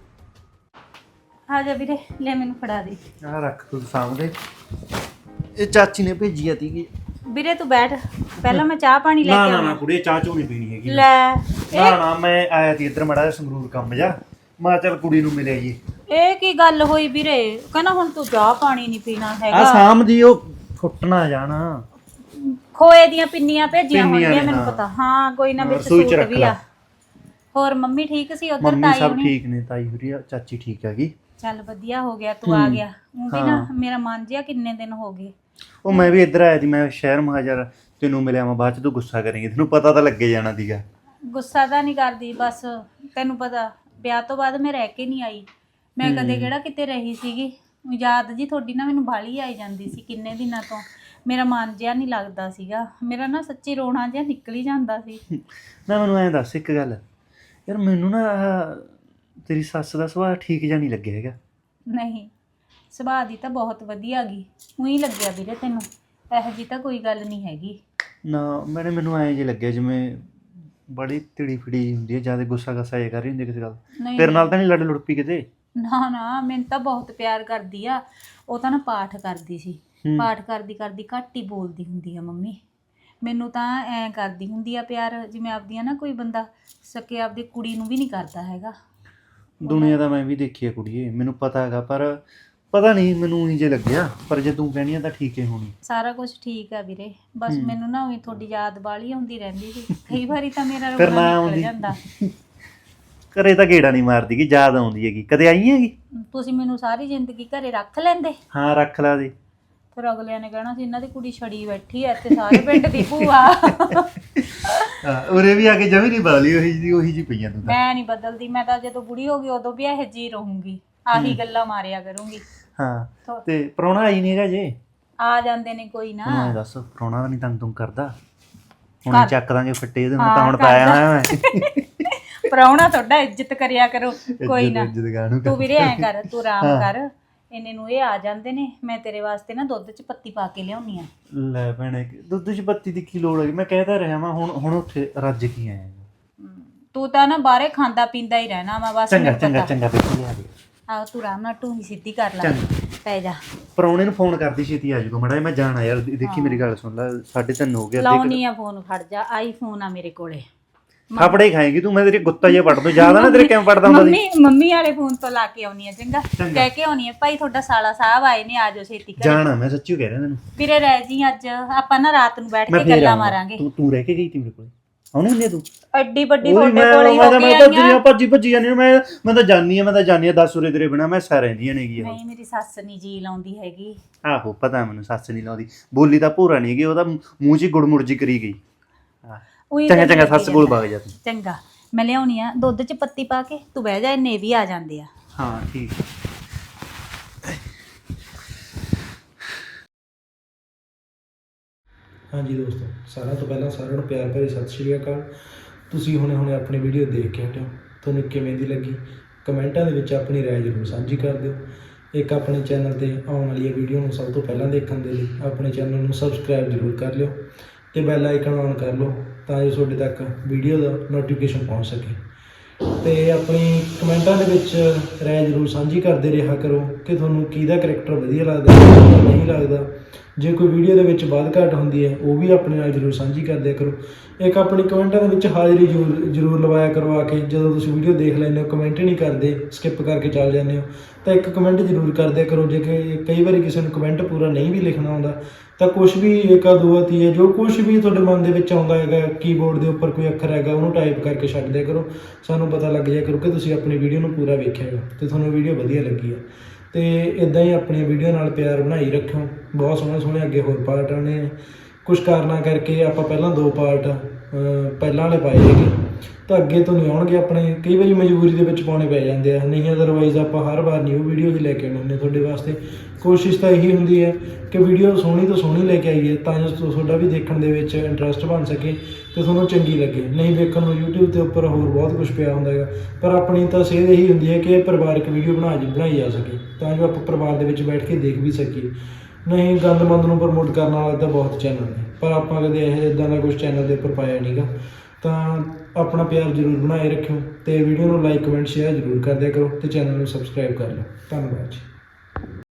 [SPEAKER 1] ਆ ਜਾ ਵੀਰੇ, ਲੈ ਮੈਨੂੰ ਫੜਾ ਦੇ।
[SPEAKER 6] ਆ ਰੱਖ ਤੂੰ ਸਾਹਮਣੇ। ਇਹ ਚਾਚੀ ਨੇ ਭੇਜੀ ਆ ਤੀ।
[SPEAKER 1] ਵੀਰੇ ਤੂੰ ਬੈਠ, ਪਹਿਲਾਂ ਮੈਂ ਚਾਹ ਪਾਣੀ ਲੈ
[SPEAKER 6] ਨਾ
[SPEAKER 1] ਕੇ
[SPEAKER 6] ਨਾ ਨਾ
[SPEAKER 1] ਆਉਂ।
[SPEAKER 6] ਕੁੜੀ ਚਾਹ ਚੋ ਨਹੀਂ ਪੀਣੀ ਹੈਗੀ।
[SPEAKER 1] ਲੈ
[SPEAKER 6] ਨਾ ਨਾ ਮੈਂ ਆਇਆ ਤੀ ਇੱਧਰ ਮੜਾ ਜਿਹਾ ਸੰਗਰੂਰ ਕੰਮ ਜਾ, ਮੈਂ ਚੱਲ ਕੁੜੀ ਨੂੰ ਮਿਲਿਆ ਜੀ।
[SPEAKER 1] ਇਹ ਕੀ ਗੱਲ ਹੋਈ ਵੀਰੇ? ਕਹਿੰਦਾ ਹੁਣ ਤੂੰ ਚਾਹ ਪਾਣੀ ਨਹੀਂ ਪੀਣਾ
[SPEAKER 6] ਆ
[SPEAKER 1] ਹੈਗਾ।
[SPEAKER 6] ਸ਼ਾਮ ਦੀ ਉਹ ਫੁੱਟਣਾ ਜਾਣਾ।
[SPEAKER 1] ਖੋਏ ਦੀਆਂ ਪਿੰਨੀਆਂ ਭੇਜੀਆਂ
[SPEAKER 6] ਪਿੰਨੀਆਂ
[SPEAKER 1] ਹੋਣਗੀਆਂ
[SPEAKER 6] ਨੇ,
[SPEAKER 1] ਮੈਨੂੰ
[SPEAKER 6] ਹਾਂ।
[SPEAKER 1] ਪਤਾ। ਹਾਂ ਕੋਈ ਨਾ, ਵਿੱਚ
[SPEAKER 6] ਰਸੋਈ ਚ
[SPEAKER 1] ਸੂਟ
[SPEAKER 6] ਰੱਖ
[SPEAKER 1] ਵੀ
[SPEAKER 6] ਲਾ।
[SPEAKER 1] ਆ। ਹੋਰ ਮੰਮੀ ਠੀਕ ਸੀ ਉਧਰ?
[SPEAKER 6] ਮੰਮੀ
[SPEAKER 1] ਤਾਈ
[SPEAKER 6] ਸਭ
[SPEAKER 1] ਹੋਣੀ?
[SPEAKER 6] ਠੀਕ ਨੇ, ਤਾਈ ਹੋਰੀ ਆ, ਚਾਚੀ ਠੀਕ ਹੈਗੀ।
[SPEAKER 1] ਚੱਲ ਵਧੀਆ ਹੋ ਗਿਆ ਤੂੰ ਆ ਗਿਆ। ਉਹ ਵੀ ਨਾ ਮੇਰਾ ਮਨ ਜਿਹਾ ਕਿੰਨੇ ਦਿਨ ਹੋ ਗਏ।
[SPEAKER 6] ਉਹ ਮੈਂ ਵੀ ਇੱਧਰ ਆਇਆ ਸੀ, ਮੈਂ ਸ਼ਹਿਰ ਮਹਾਜਰ ਤੈਨੂੰ ਮਿਲਿਆ, ਮੈਂ ਬਾਅਦ ਚ ਤੂੰ ਗੁੱਸਾ ਕਰੇਂਗੀ, ਤੈਨੂੰ ਪਤਾ ਤਾਂ ਲੱਗੇ ਜਾਣਾ ਸੀਗਾ।
[SPEAKER 1] ਗੁੱਸਾ ਤਾਂ ਨਹੀਂ ਕਰਦੀ, ਬਸ ਤੈਨੂੰ ਪਤਾ ਵਿਆਹ ਤੋਂ ਬਾਅਦ ਮੈਂ ਰਹਿ ਕੇ ਨਹੀਂ ਆਈ। ਮੈਂ ਕਦੇ ਕਿਹੜਾ ਕਿਤੇ ਰਹੀ ਸੀਗੀ। ਯਾਦ ਜੀ ਤੁਹਾਡੀ ਨਾ ਮੈਨੂੰ ਬਾਹਲੀ ਆਈ ਜਾਂਦੀ ਸੀ ਕਿੰਨੇ ਦਿਨਾਂ ਤੋਂ। ਮੇਰਾ ਮਨ ਜਿਹਾ ਨਹੀਂ ਲੱਗਦਾ ਸੀਗਾ, ਮੇਰਾ ਨਾ ਸੱਚੀ ਰੋਣਾ ਜਿਹਾ ਨਿਕਲ ਹੀ ਜਾਂਦਾ ਸੀ।
[SPEAKER 6] ਨਾ ਮੈਨੂੰ ਐਂ ਦੱਸ ਇੱਕ ਗੱਲ ਯਾਰ, ਮੈਨੂੰ ਨਾ ਆਹ ਤੇਰੀ ਸੱਸ ਦਾ ਸੁਭਾਅ ਠੀਕ ਜਿਹਾ ਨਹੀਂ ਲੱਗਿਆ ਹੈਗਾ।
[SPEAKER 1] ਨਹੀਂ, ਸੁਭਾਅ ਦੀ ਤਾਂ ਬਹੁਤ ਵਧੀਆ ਗਈ। ਉਹੀ ਲੱਗਿਆ ਵੀਰੇ ਤੈਨੂੰ? ਇਹੋ ਜੀ ਤਾਂ ਕੋਈ ਗੱਲ ਨਹੀਂ ਹੈਗੀ।
[SPEAKER 6] ਨਾ ਮੈਨੂੰ ਐਂ ਜੇ ਲੱਗਿਆ ਜਿਵੇਂ ਬੜੀ ਤਿੜੀ ਫਿੜੀ ਹੁੰਦੀ ਹੈ, ਜਿਆਦਾ ਗੁੱਸਾ ਗੱਸਾ ਜੇ ਕਰ ਰਹੀ ਹੁੰਦੀ ਕਿਸੇ ਗੱਲ।
[SPEAKER 1] ਨਹੀਂ
[SPEAKER 6] ਤੇਰੇ ਨਾਲ ਤਾਂ ਨਹੀਂ ਲੜ ਲੁੜ ਪਈ ਕਿਤੇ?
[SPEAKER 1] ਨਾ ਨਾ, ਮੈਨੂੰ ਤਾਂ ਬਹੁਤ ਪਿਆਰ ਕਰਦੀ ਆ। ਉਹ ਤਾਂ ਨਾ ਪਾਠ ਕਰਦੀ ਸੀ, ਪਾਠ ਕਰਦੀ ਕਰਦੀ ਘੱਟ ਹੀ ਬੋਲਦੀ ਹੁੰਦੀ ਆ ਮੰਮੀ। ਮੈਨੂੰ ਤਾਂ ਐਂ ਕਰਦੀ ਹੁੰਦੀ ਆ ਪਿਆਰ ਜਿਵੇਂ ਆਪਦੀਆਂ ਨਾ ਕੋਈ ਬੰਦਾ ਸਕੇ ਆਪਦੀ ਕੁੜੀ ਨੂੰ ਵੀ ਨਹੀਂ ਕਰਦਾ ਹੈਗਾ।
[SPEAKER 6] ਦੁਨੀਆ ਦਾ ਮੈਂ ਵੀ ਦੇਖੀ ਆ ਕੁੜੀਏ, ਮੈਨੂੰ ਪਤਾ ਹੈਗਾ, ਪਰ ਪਤਾ ਨਹੀਂ ਮੈਨੂੰ ਉਹੀ ਜੇ ਲੱਗਿਆ। ਪਰ ਜੇ ਤੂੰ ਕਹਿਣੀ ਆ ਤਾਂ ਠੀਕ ਹੀ ਹੋਣੀ।
[SPEAKER 1] ਸਾਰਾ ਕੁਝ ਠੀਕ ਆ ਵੀਰੇ, ਬਸ ਮੈਨੂੰ ਨਾ ਉਹੀ ਤੁਹਾਡੀ ਯਾਦ ਬਾਲੀ ਆਉਂਦੀ ਰਹਿੰਦੀ ਸੀ। ਕਈ ਵਾਰੀ ਤਾਂ ਮੇਰਾ
[SPEAKER 6] ਫਿਰ ਨਾ
[SPEAKER 1] ਰੋਣਾ ਨਿਕਲ
[SPEAKER 6] ਆਉਂਦੀ।
[SPEAKER 1] ਜਾਂਦਾ।
[SPEAKER 6] ਘਰੇ ਤਾਂ ਗੇੜਾ ਨਹੀਂ ਮਾਰਦੀ ਕਿ ਯਾਦ ਆਉਂਦੀ ਹੈਗੀ। ਕਦੇ ਆਈ ਹੈਗੀ?
[SPEAKER 1] ਤੁਸੀਂ ਮੈਨੂੰ ਸਾਰੀ ਜ਼ਿੰਦਗੀ ਘਰੇ ਰੱਖ ਲੈਂਦੇ,
[SPEAKER 6] ਹਾਂ ਰੱਖ ਲਾ ਦੇ।
[SPEAKER 1] ਫਿਰ ਅਗਲਿਆਂ ਨੇ ਕਹਿਣਾ ਸੀ ਇਹਨਾਂ ਦੀ ਕੁੜੀ ਛੜੀ ਬੈਠੀ ਐ ਤੇ ਸਾਰੇ ਪਿੰਡ ਦੀ ਭੂਆ।
[SPEAKER 6] ਉਰੇ ਵੀ ਆ ਕੇ ਜਮੀ ਨਹੀਂ ਬਦਲੀ, ਉਹੀ ਜੀ ਪਈਆਂ ਤੂੰ ਤਾਂ।
[SPEAKER 1] ਮੈਂ ਨਹੀਂ ਬਦਲਦੀ, ਮੈਂ ਤਾਂ ਜਦੋਂ ਬੁੜੀ ਹੋ ਗਈ ਉਦੋਂ ਵੀ ਇਹੋ ਜਿਹੀ ਰਹੂੰਗੀ, ਆਹੀ ਗੱਲਾਂ ਮਾਰਿਆ ਕਰੂੰਗੀ।
[SPEAKER 6] ਹਾਂ ਤੇ ਪ੍ਰਾਹੁਣਾ ਆਈ ਨਹੀਂ ਹੈਗਾ ਜੇ?
[SPEAKER 1] ਆ ਜਾਂਦੇ ਨੇ ਕੋਈ
[SPEAKER 6] ਹੁਣ
[SPEAKER 1] ਨਾ।
[SPEAKER 6] ਐਂ ਦੱਸ, ਪ੍ਰਾਹੁਣਾ ਤਾਂ ਨਹੀਂ ਤੰਗ ਤੁੰਗ ਕਰਦਾ? ਹੁਣ ਚੱਕ ਦਾਂਗੇ ਫੱਟੇ ਇਹਦੇ ਨਾਲ, ਤਾਂ ਹੁਣ ਪਾਇਆ ਹੋਇਆ ਮੈਂ।
[SPEAKER 1] ਪ੍ਰਾਹੁਣਾ ਤੁਹਾਡਾ ਇੱਜ਼ਤ ਕਰਿਆ ਕਰੋ, ਕੋਈ ਨਾ।
[SPEAKER 6] ਇੱਜ਼ਤ ਗਾਣੂ
[SPEAKER 1] ਤੂੰ ਵੀਰੇ ਐਂ ਕਰ, ਤੂੰ ਆਰਾਮ ਕਰ। ਇੰਨੇ ਨੂੰ ਇਹ ਆ ਜਾਂਦੇ ਨੇ, ਮੈਂ ਤੇਰੇ ਵਾਸਤੇ ਨਾ ਦੁੱਧ 'ਚ ਪੱਤੀ ਪਾ ਕੇ ਲਿਆਉਣੀ ਆ।
[SPEAKER 6] ਲੈ ਭੈਣੇ, ਦੁੱਧ 'ਚ ਪੱਤੀ ਦੀ ਕੀ ਲੋੜ ਹੈ? ਮੈਂ ਕਹਿਦਾ ਰਿਹਾ ਮੈਂ ਹੁਣ ਉੱਥੇ ਰੱਜ ਕੀ ਆਇਆ।
[SPEAKER 1] ਤੂੰ ਤਾਂ ਨਾ ਬਾਹਰੇ ਖਾਂਦਾ ਪੀਂਦਾ ਹੀ ਰਹਿਣਾ ਵਾ ਬਸ।
[SPEAKER 6] ਚੰਗਾ
[SPEAKER 1] ਮੈਨੂੰ
[SPEAKER 6] ਚੰਗਾ
[SPEAKER 1] ਪਤਾ।
[SPEAKER 6] ਚੰਗਾ ਬੇਟੀ ਆ ਗਈ।
[SPEAKER 1] ਆਹ ਤੂੰ ਆਰਾਮ ਨਾਲ ਢੂਹੀ ਸਿੱਧੀ ਕਰ ਲੈ, ਪੈ ਜਾ।
[SPEAKER 6] ਪ੍ਰਾਹੁਣੇ ਨੂੰ ਫੋਨ ਕਰਦੀ ਛੇਤੀ ਆ ਜਾਊਗਾ ਮੜਾ, ਮੈਂ ਜਾਣਾ ਯਾਰ। ਦੇਖੀ ਮੇਰੀ ਗੱਲ ਸੁਣ ਲੈ, 3:30 ਹੋ ਗਿਆ।
[SPEAKER 1] ਲਾਉਣੀ ਆ ਫੋਨ, ਖੜ ਜਾ। ਆਈਫੋਨ ਆ ਮੇਰੇ ਕੋਲੇ।
[SPEAKER 6] ਥਾਪੜੇ ਖਾਏਗੀ ਤੂੰ, ਮੈਂ ਤੇਰੇ ਗੁੱਤਾ ਜਿਹਾ ਪੜ ਦੂੰ। ਜ਼ਿਆਦਾ ਨਾ ਤੇਰੇ ਕਿਵੇਂ ਪੜਦਾ ਹੁੰਦਾ ਸੀ।
[SPEAKER 1] ਮੰਮੀ ਵਾਲੇ ਫੋਨ ਤੋਂ ਲਾ ਕੇ ਆਉਣੀ ਆ, ਚੰਗਾ? ਕਹਿ ਕੇ ਆਉਣੀ ਆ ਭਾਈ ਤੁਹਾਡਾ ਸਾਲਾ ਸਾਹਿਬ ਆਏ ਨੇ, ਆ ਜਾਓ ਛੇਤੀ ਘਰੇ।
[SPEAKER 6] ਜਾਣਾ ਮੈਂ ਸੱਚੀ ਕਹਿ ਰਿਹਾ ਤੈਨੂੰ।
[SPEAKER 1] ਵੀਰੇ ਰਹਿ ਜੀ, ਅੱਜ ਆਪਾਂ ਨਾ ਰਾਤ ਨੂੰ ਬੈਠ
[SPEAKER 6] ਮੈਂ
[SPEAKER 1] ਕੇ
[SPEAKER 6] ਫੇਰ
[SPEAKER 1] ਗੱਲਾਂ
[SPEAKER 6] ਆਊਂਗਾ।
[SPEAKER 1] ਮਾਰਾਂਗੇ।
[SPEAKER 6] ਤੂੰ ਰਹਿ ਕੇ ਗਈ ਤੀ ਮੇਰੇ ਕੋਲ, ਆਉਣੀ ਹੁੰਦੀ ਆ ਤੂੰ?
[SPEAKER 1] ਐਡੀ ਵੱਡੀ
[SPEAKER 6] ਉਹੀ
[SPEAKER 1] ਤੁਹਾਡੇ ਕੋਲੇ ਹੀ ਹੋ
[SPEAKER 6] ਮੈਂ
[SPEAKER 1] ਕੇ
[SPEAKER 6] ਭੱਜੀ
[SPEAKER 1] ਆਈਆਂ।
[SPEAKER 6] ਭੱਜੀ ਜਾਂਦੀ ਮੈਂ ਤਾਂ ਜਾਣੀ ਆ 10 ਉਰੇ ਤੇਰੇ ਬਿਨਾ ਮੈਂ ਸਾ ਰਹਿੰਦੀਆਂ ਨੇਗੀ।
[SPEAKER 1] ਨਹੀਂ, ਮੇਰੀ ਸੱਸ ਨਹੀਂ ਜੀ ਲਾਉਂਦੀ ਹੈਗੀ।
[SPEAKER 6] ਆਹੋ ਪਤਾ ਮੈਨੂੰ, ਸੱਸ ਨਹੀਂ ਲਾਉਂਦੀ, ਬੋਲੀ ਤਾਂ ਭੂਰਾ ਨਹੀਂ ਹੈਗੀ, ਉਹਦਾ ਮੂੰਹ 'ਚ ਹੀ ਗੁੜਮੁੜ ਜੀ ਕਰੀ ਗਈ।
[SPEAKER 1] ਉਹੀ
[SPEAKER 6] ਚੰਗਾ
[SPEAKER 1] ਤਾਂ
[SPEAKER 6] ਚੰਗਾ,
[SPEAKER 1] ਲੱਗੀ
[SPEAKER 6] ਸੱਸ ਕੋਲ ਵਗ ਜਾ ਤੂੰ।
[SPEAKER 1] ਚੰਗਾ, ਮੈਂ ਲਿਆਉਣੀ ਆ ਦੁੱਧ 'ਚ ਪੱਤੀ ਪਾ ਕੇ, ਤੂੰ ਬਹਿ ਜਾ, ਇੰਨੇ ਵੀ ਆ ਜਾਂਦੇ ਆ।
[SPEAKER 6] ਹਾਂ ਠੀਕ।
[SPEAKER 5] ਹਾਂਜੀ ਦੋਸਤੋ, ਸਾਰਿਆਂ ਤੋਂ ਪਹਿਲਾਂ ਸਾਰਿਆਂ ਨੂੰ ਪਿਆਰ ਭਰੀ ਸਤਿ ਸ਼੍ਰੀ ਅਕਾਲ। ਤੁਸੀਂ ਹੁਣੇ ਆਪਣੀ ਵੀਡੀਓ ਦੇਖ ਕੇ ਹਟਿਓ, ਤੁਹਾਨੂੰ ਕਿਵੇਂ ਦੀ ਲੱਗੀ ਕਮੈਂਟਾਂ ਦੇ ਵਿੱਚ ਆਪਣੀ ਰਾਏ ਜ਼ਰੂਰ ਸਾਂਝੀ ਕਰ ਦਿਓ। ਇੱਕ ਆਪਣੇ ਚੈਨਲ ਤੇ ਆਉਣ ਵਾਲੀ ਵੀਡੀਓ ਨੂੰ ਸਭ ਤੋਂ ਪਹਿਲਾਂ ਦੇਖਣ ਦੇ ਲਈ ਆਪਣੇ ਚੈਨਲ ਨੂੰ ਸਬਸਕ੍ਰਾਈਬ ਜ਼ਰੂਰ ਕਰ ਲਿਓ ਤੇ ਬੈਲ ਆਈਕਨ ਔਨ ਕਰ ਲਓ ਤਾਂ ਜੋ ਤੁਹਾਡੇ ਤੱਕ ਵੀਡੀਓ ਦਾ ਨੋਟੀਫਿਕੇਸ਼ਨ ਪਹੁੰਚ ਸਕੇ। ਤੇ ਆਪਣੀ ਕਮੈਂਟਾਂ ਦੇ ਵਿੱਚ ਰਾਏ ਜ਼ਰੂਰ ਸਾਂਝੀ ਕਰਦੇ ਰਿਹਾ ਕਰੋ ਕਿ ਤੁਹਾਨੂੰ ਕਿਹਦਾ ਕਰੈਕਟਰ ਵਧੀਆ ਲੱਗਦਾ ਕਿਹਦਾ ਨਹੀਂ ਲੱਗਦਾ। ਜੇ ਕੋਈ ਵੀਡੀਓ ਦੇ ਵਿੱਚ ਵੱਧ ਘੱਟ ਹੁੰਦੀ ਹੈ ਉਹ ਵੀ ਆਪਣੇ ਨਾਲ ਜ਼ਰੂਰ ਸਾਂਝੀ ਕਰਦਿਆ ਕਰੋ। ਇੱਕ ਆਪਣੀ ਕਮੈਂਟਾਂ ਦੇ ਵਿੱਚ ਹਾਜ਼ਰੀ ਜ਼ਰੂਰ ਲਵਾਇਆ ਕਰੋ ਆ ਕੇ। ਜਦੋਂ ਤੁਸੀਂ ਵੀਡੀਓ ਦੇਖ ਲੈਂਦੇ ਹੋ ਕਮੈਂਟ ਨਹੀਂ ਕਰਦੇ, ਸਕਿਪ ਕਰਕੇ ਚੱਲ ਜਾਂਦੇ ਹੋ, ਤਾਂ ਇੱਕ ਕਮੈਂਟ ਜ਼ਰੂਰ ਕਰਦਿਆ ਕਰੋ। ਜੇ ਕਿ ਕਈ ਵਾਰੀ ਕਿਸੇ ਨੂੰ ਕਮੈਂਟ ਪੂਰਾ ਨਹੀਂ ਵੀ ਲਿਖਣਾ ਆਉਂਦਾ ਤਾਂ ਕੁਛ ਵੀ ਇੱਕ ਦੋ ਤੀਏ ਜੋ ਕੁਛ ਵੀ ਤੁਹਾਡੇ ਮਨ ਦੇ ਵਿੱਚ ਆਉਂਦਾ ਹੈਗਾ, ਕੀਬੋਰਡ ਦੇ ਉੱਪਰ ਕੋਈ ਅੱਖਰ ਹੈਗਾ ਉਹਨੂੰ ਟਾਈਪ ਕਰਕੇ ਛੱਡ ਦਿਆ ਕਰੋ। ਸਾਨੂੰ ਪਤਾ ਲੱਗ ਜਾਇਆ ਕਰੋ ਕਿ ਤੁਸੀਂ ਆਪਣੀ ਵੀਡੀਓ ਨੂੰ ਪੂਰਾ ਵੇਖਿਆ ਹੈਗਾ ਅਤੇ ਤੁਹਾਨੂੰ ਵੀਡੀਓ ਵਧੀਆ ਲੱਗੀ ਹੈ। ਅਤੇ ਇੱਦਾਂ ਹੀ ਆਪਣੀ ਵੀਡੀਓ ਨਾਲ ਪਿਆਰ ਬਣਾਈ ਰੱਖਿਓ। ਬਹੁਤ ਸੋਹਣੇ ਸੋਹਣੇ ਅੱਗੇ ਹੋਰ ਪਾਰਟ ਆਉਣੇ ਨੇ। ਕੁਛ ਕਾਰਨਾਂ ਕਰਕੇ ਆਪਾਂ ਪਹਿਲਾਂ 2 ਪਾਰਟ ਪਹਿਲਾਂ ਵਾਲੇ ਪਾਏ ਹੈਗੇ ਤਾਂ ਅੱਗੇ ਤੋਂ ਨਹੀਂ ਆਉਣਗੇ ਆਪਣੇ। ਕਈ ਵਾਰੀ ਮਜਬੂਰੀ ਦੇ ਵਿੱਚ ਪਾਉਣੇ ਪੈ ਜਾਂਦੇ ਆ, ਨਹੀਂ ਅਦਰਵਾਈਜ਼ ਆਪਾਂ ਹਰ ਵਾਰ ਨਿਊ ਵੀਡੀਓ ਹੀ ਲੈ ਕੇ ਆਉਂਦੇ ਹੁੰਦੇ ਤੁਹਾਡੇ ਵਾਸਤੇ। ਕੋਸ਼ਿਸ਼ ਤਾਂ ਇਹੀ ਹੁੰਦੀ ਹੈ ਕਿ ਵੀਡੀਓ ਸੋਹਣੀ ਤੋਂ ਸੋਹਣੀ ਲੈ ਕੇ ਆਈਏ ਤਾਂ ਜੋ ਤੁਹਾਡਾ ਵੀ ਦੇਖਣ ਦੇ ਵਿੱਚ ਇੰਟਰਸਟ ਬਣ ਸਕੇ ਅਤੇ ਤੁਹਾਨੂੰ ਚੰਗੀ ਲੱਗੇ। ਨਹੀਂ ਵੇਖਣ ਨੂੰ YouTube ਦੇ ਉੱਪਰ ਹੋਰ ਬਹੁਤ ਕੁਝ ਪਿਆ ਹੁੰਦਾ ਹੈਗਾ, ਪਰ ਆਪਣੀ ਤਾਂ ਸੇਧ ਇਹੀ ਹੁੰਦੀ ਹੈ ਕਿ ਇਹ ਪਰਿਵਾਰਕ ਵੀਡੀਓ ਬਣਾਈ ਜਾ ਸਕੇ ਤਾਂ ਜੋ ਆਪਾਂ ਪਰਿਵਾਰ ਦੇ ਵਿੱਚ ਬੈਠ ਕੇ ਦੇਖ ਵੀ ਸਕੀਏ। ਨਹੀਂ ਗੰਦ ਮੰਦ ਨੂੰ ਪ੍ਰਮੋਟ ਕਰਨ ਵਾਲਾ ਤਾਂ ਬਹੁਤ ਚੈਨਲ ਨੇ, ਪਰ ਆਪਾਂ ਕਦੇ ਇਹ ਇੱਦਾਂ ਦਾ ਕੁਛ ਚੈਨਲ ਦੇ ਉੱਪਰ ਪਾਇਆ ਨਹੀਂ ਗਾ। ਤਾਂ ਆਪਣਾ ਪਿਆਰ ਜ਼ਰੂਰ ਬਣਾਏ ਰੱਖਿਓ ਅਤੇ ਵੀਡੀਓ ਨੂੰ ਲਾਈਕ ਕਮੈਂਟ ਸ਼ੇਅਰ ਜ਼ਰੂਰ ਕਰ ਦਿਆ ਕਰੋ ਅਤੇ ਚੈਨਲ ਨੂੰ ਸਬਸਕ੍ਰਾਈਬ ਕਰ ਲਓ। ਧੰਨਵਾਦ ਜੀ।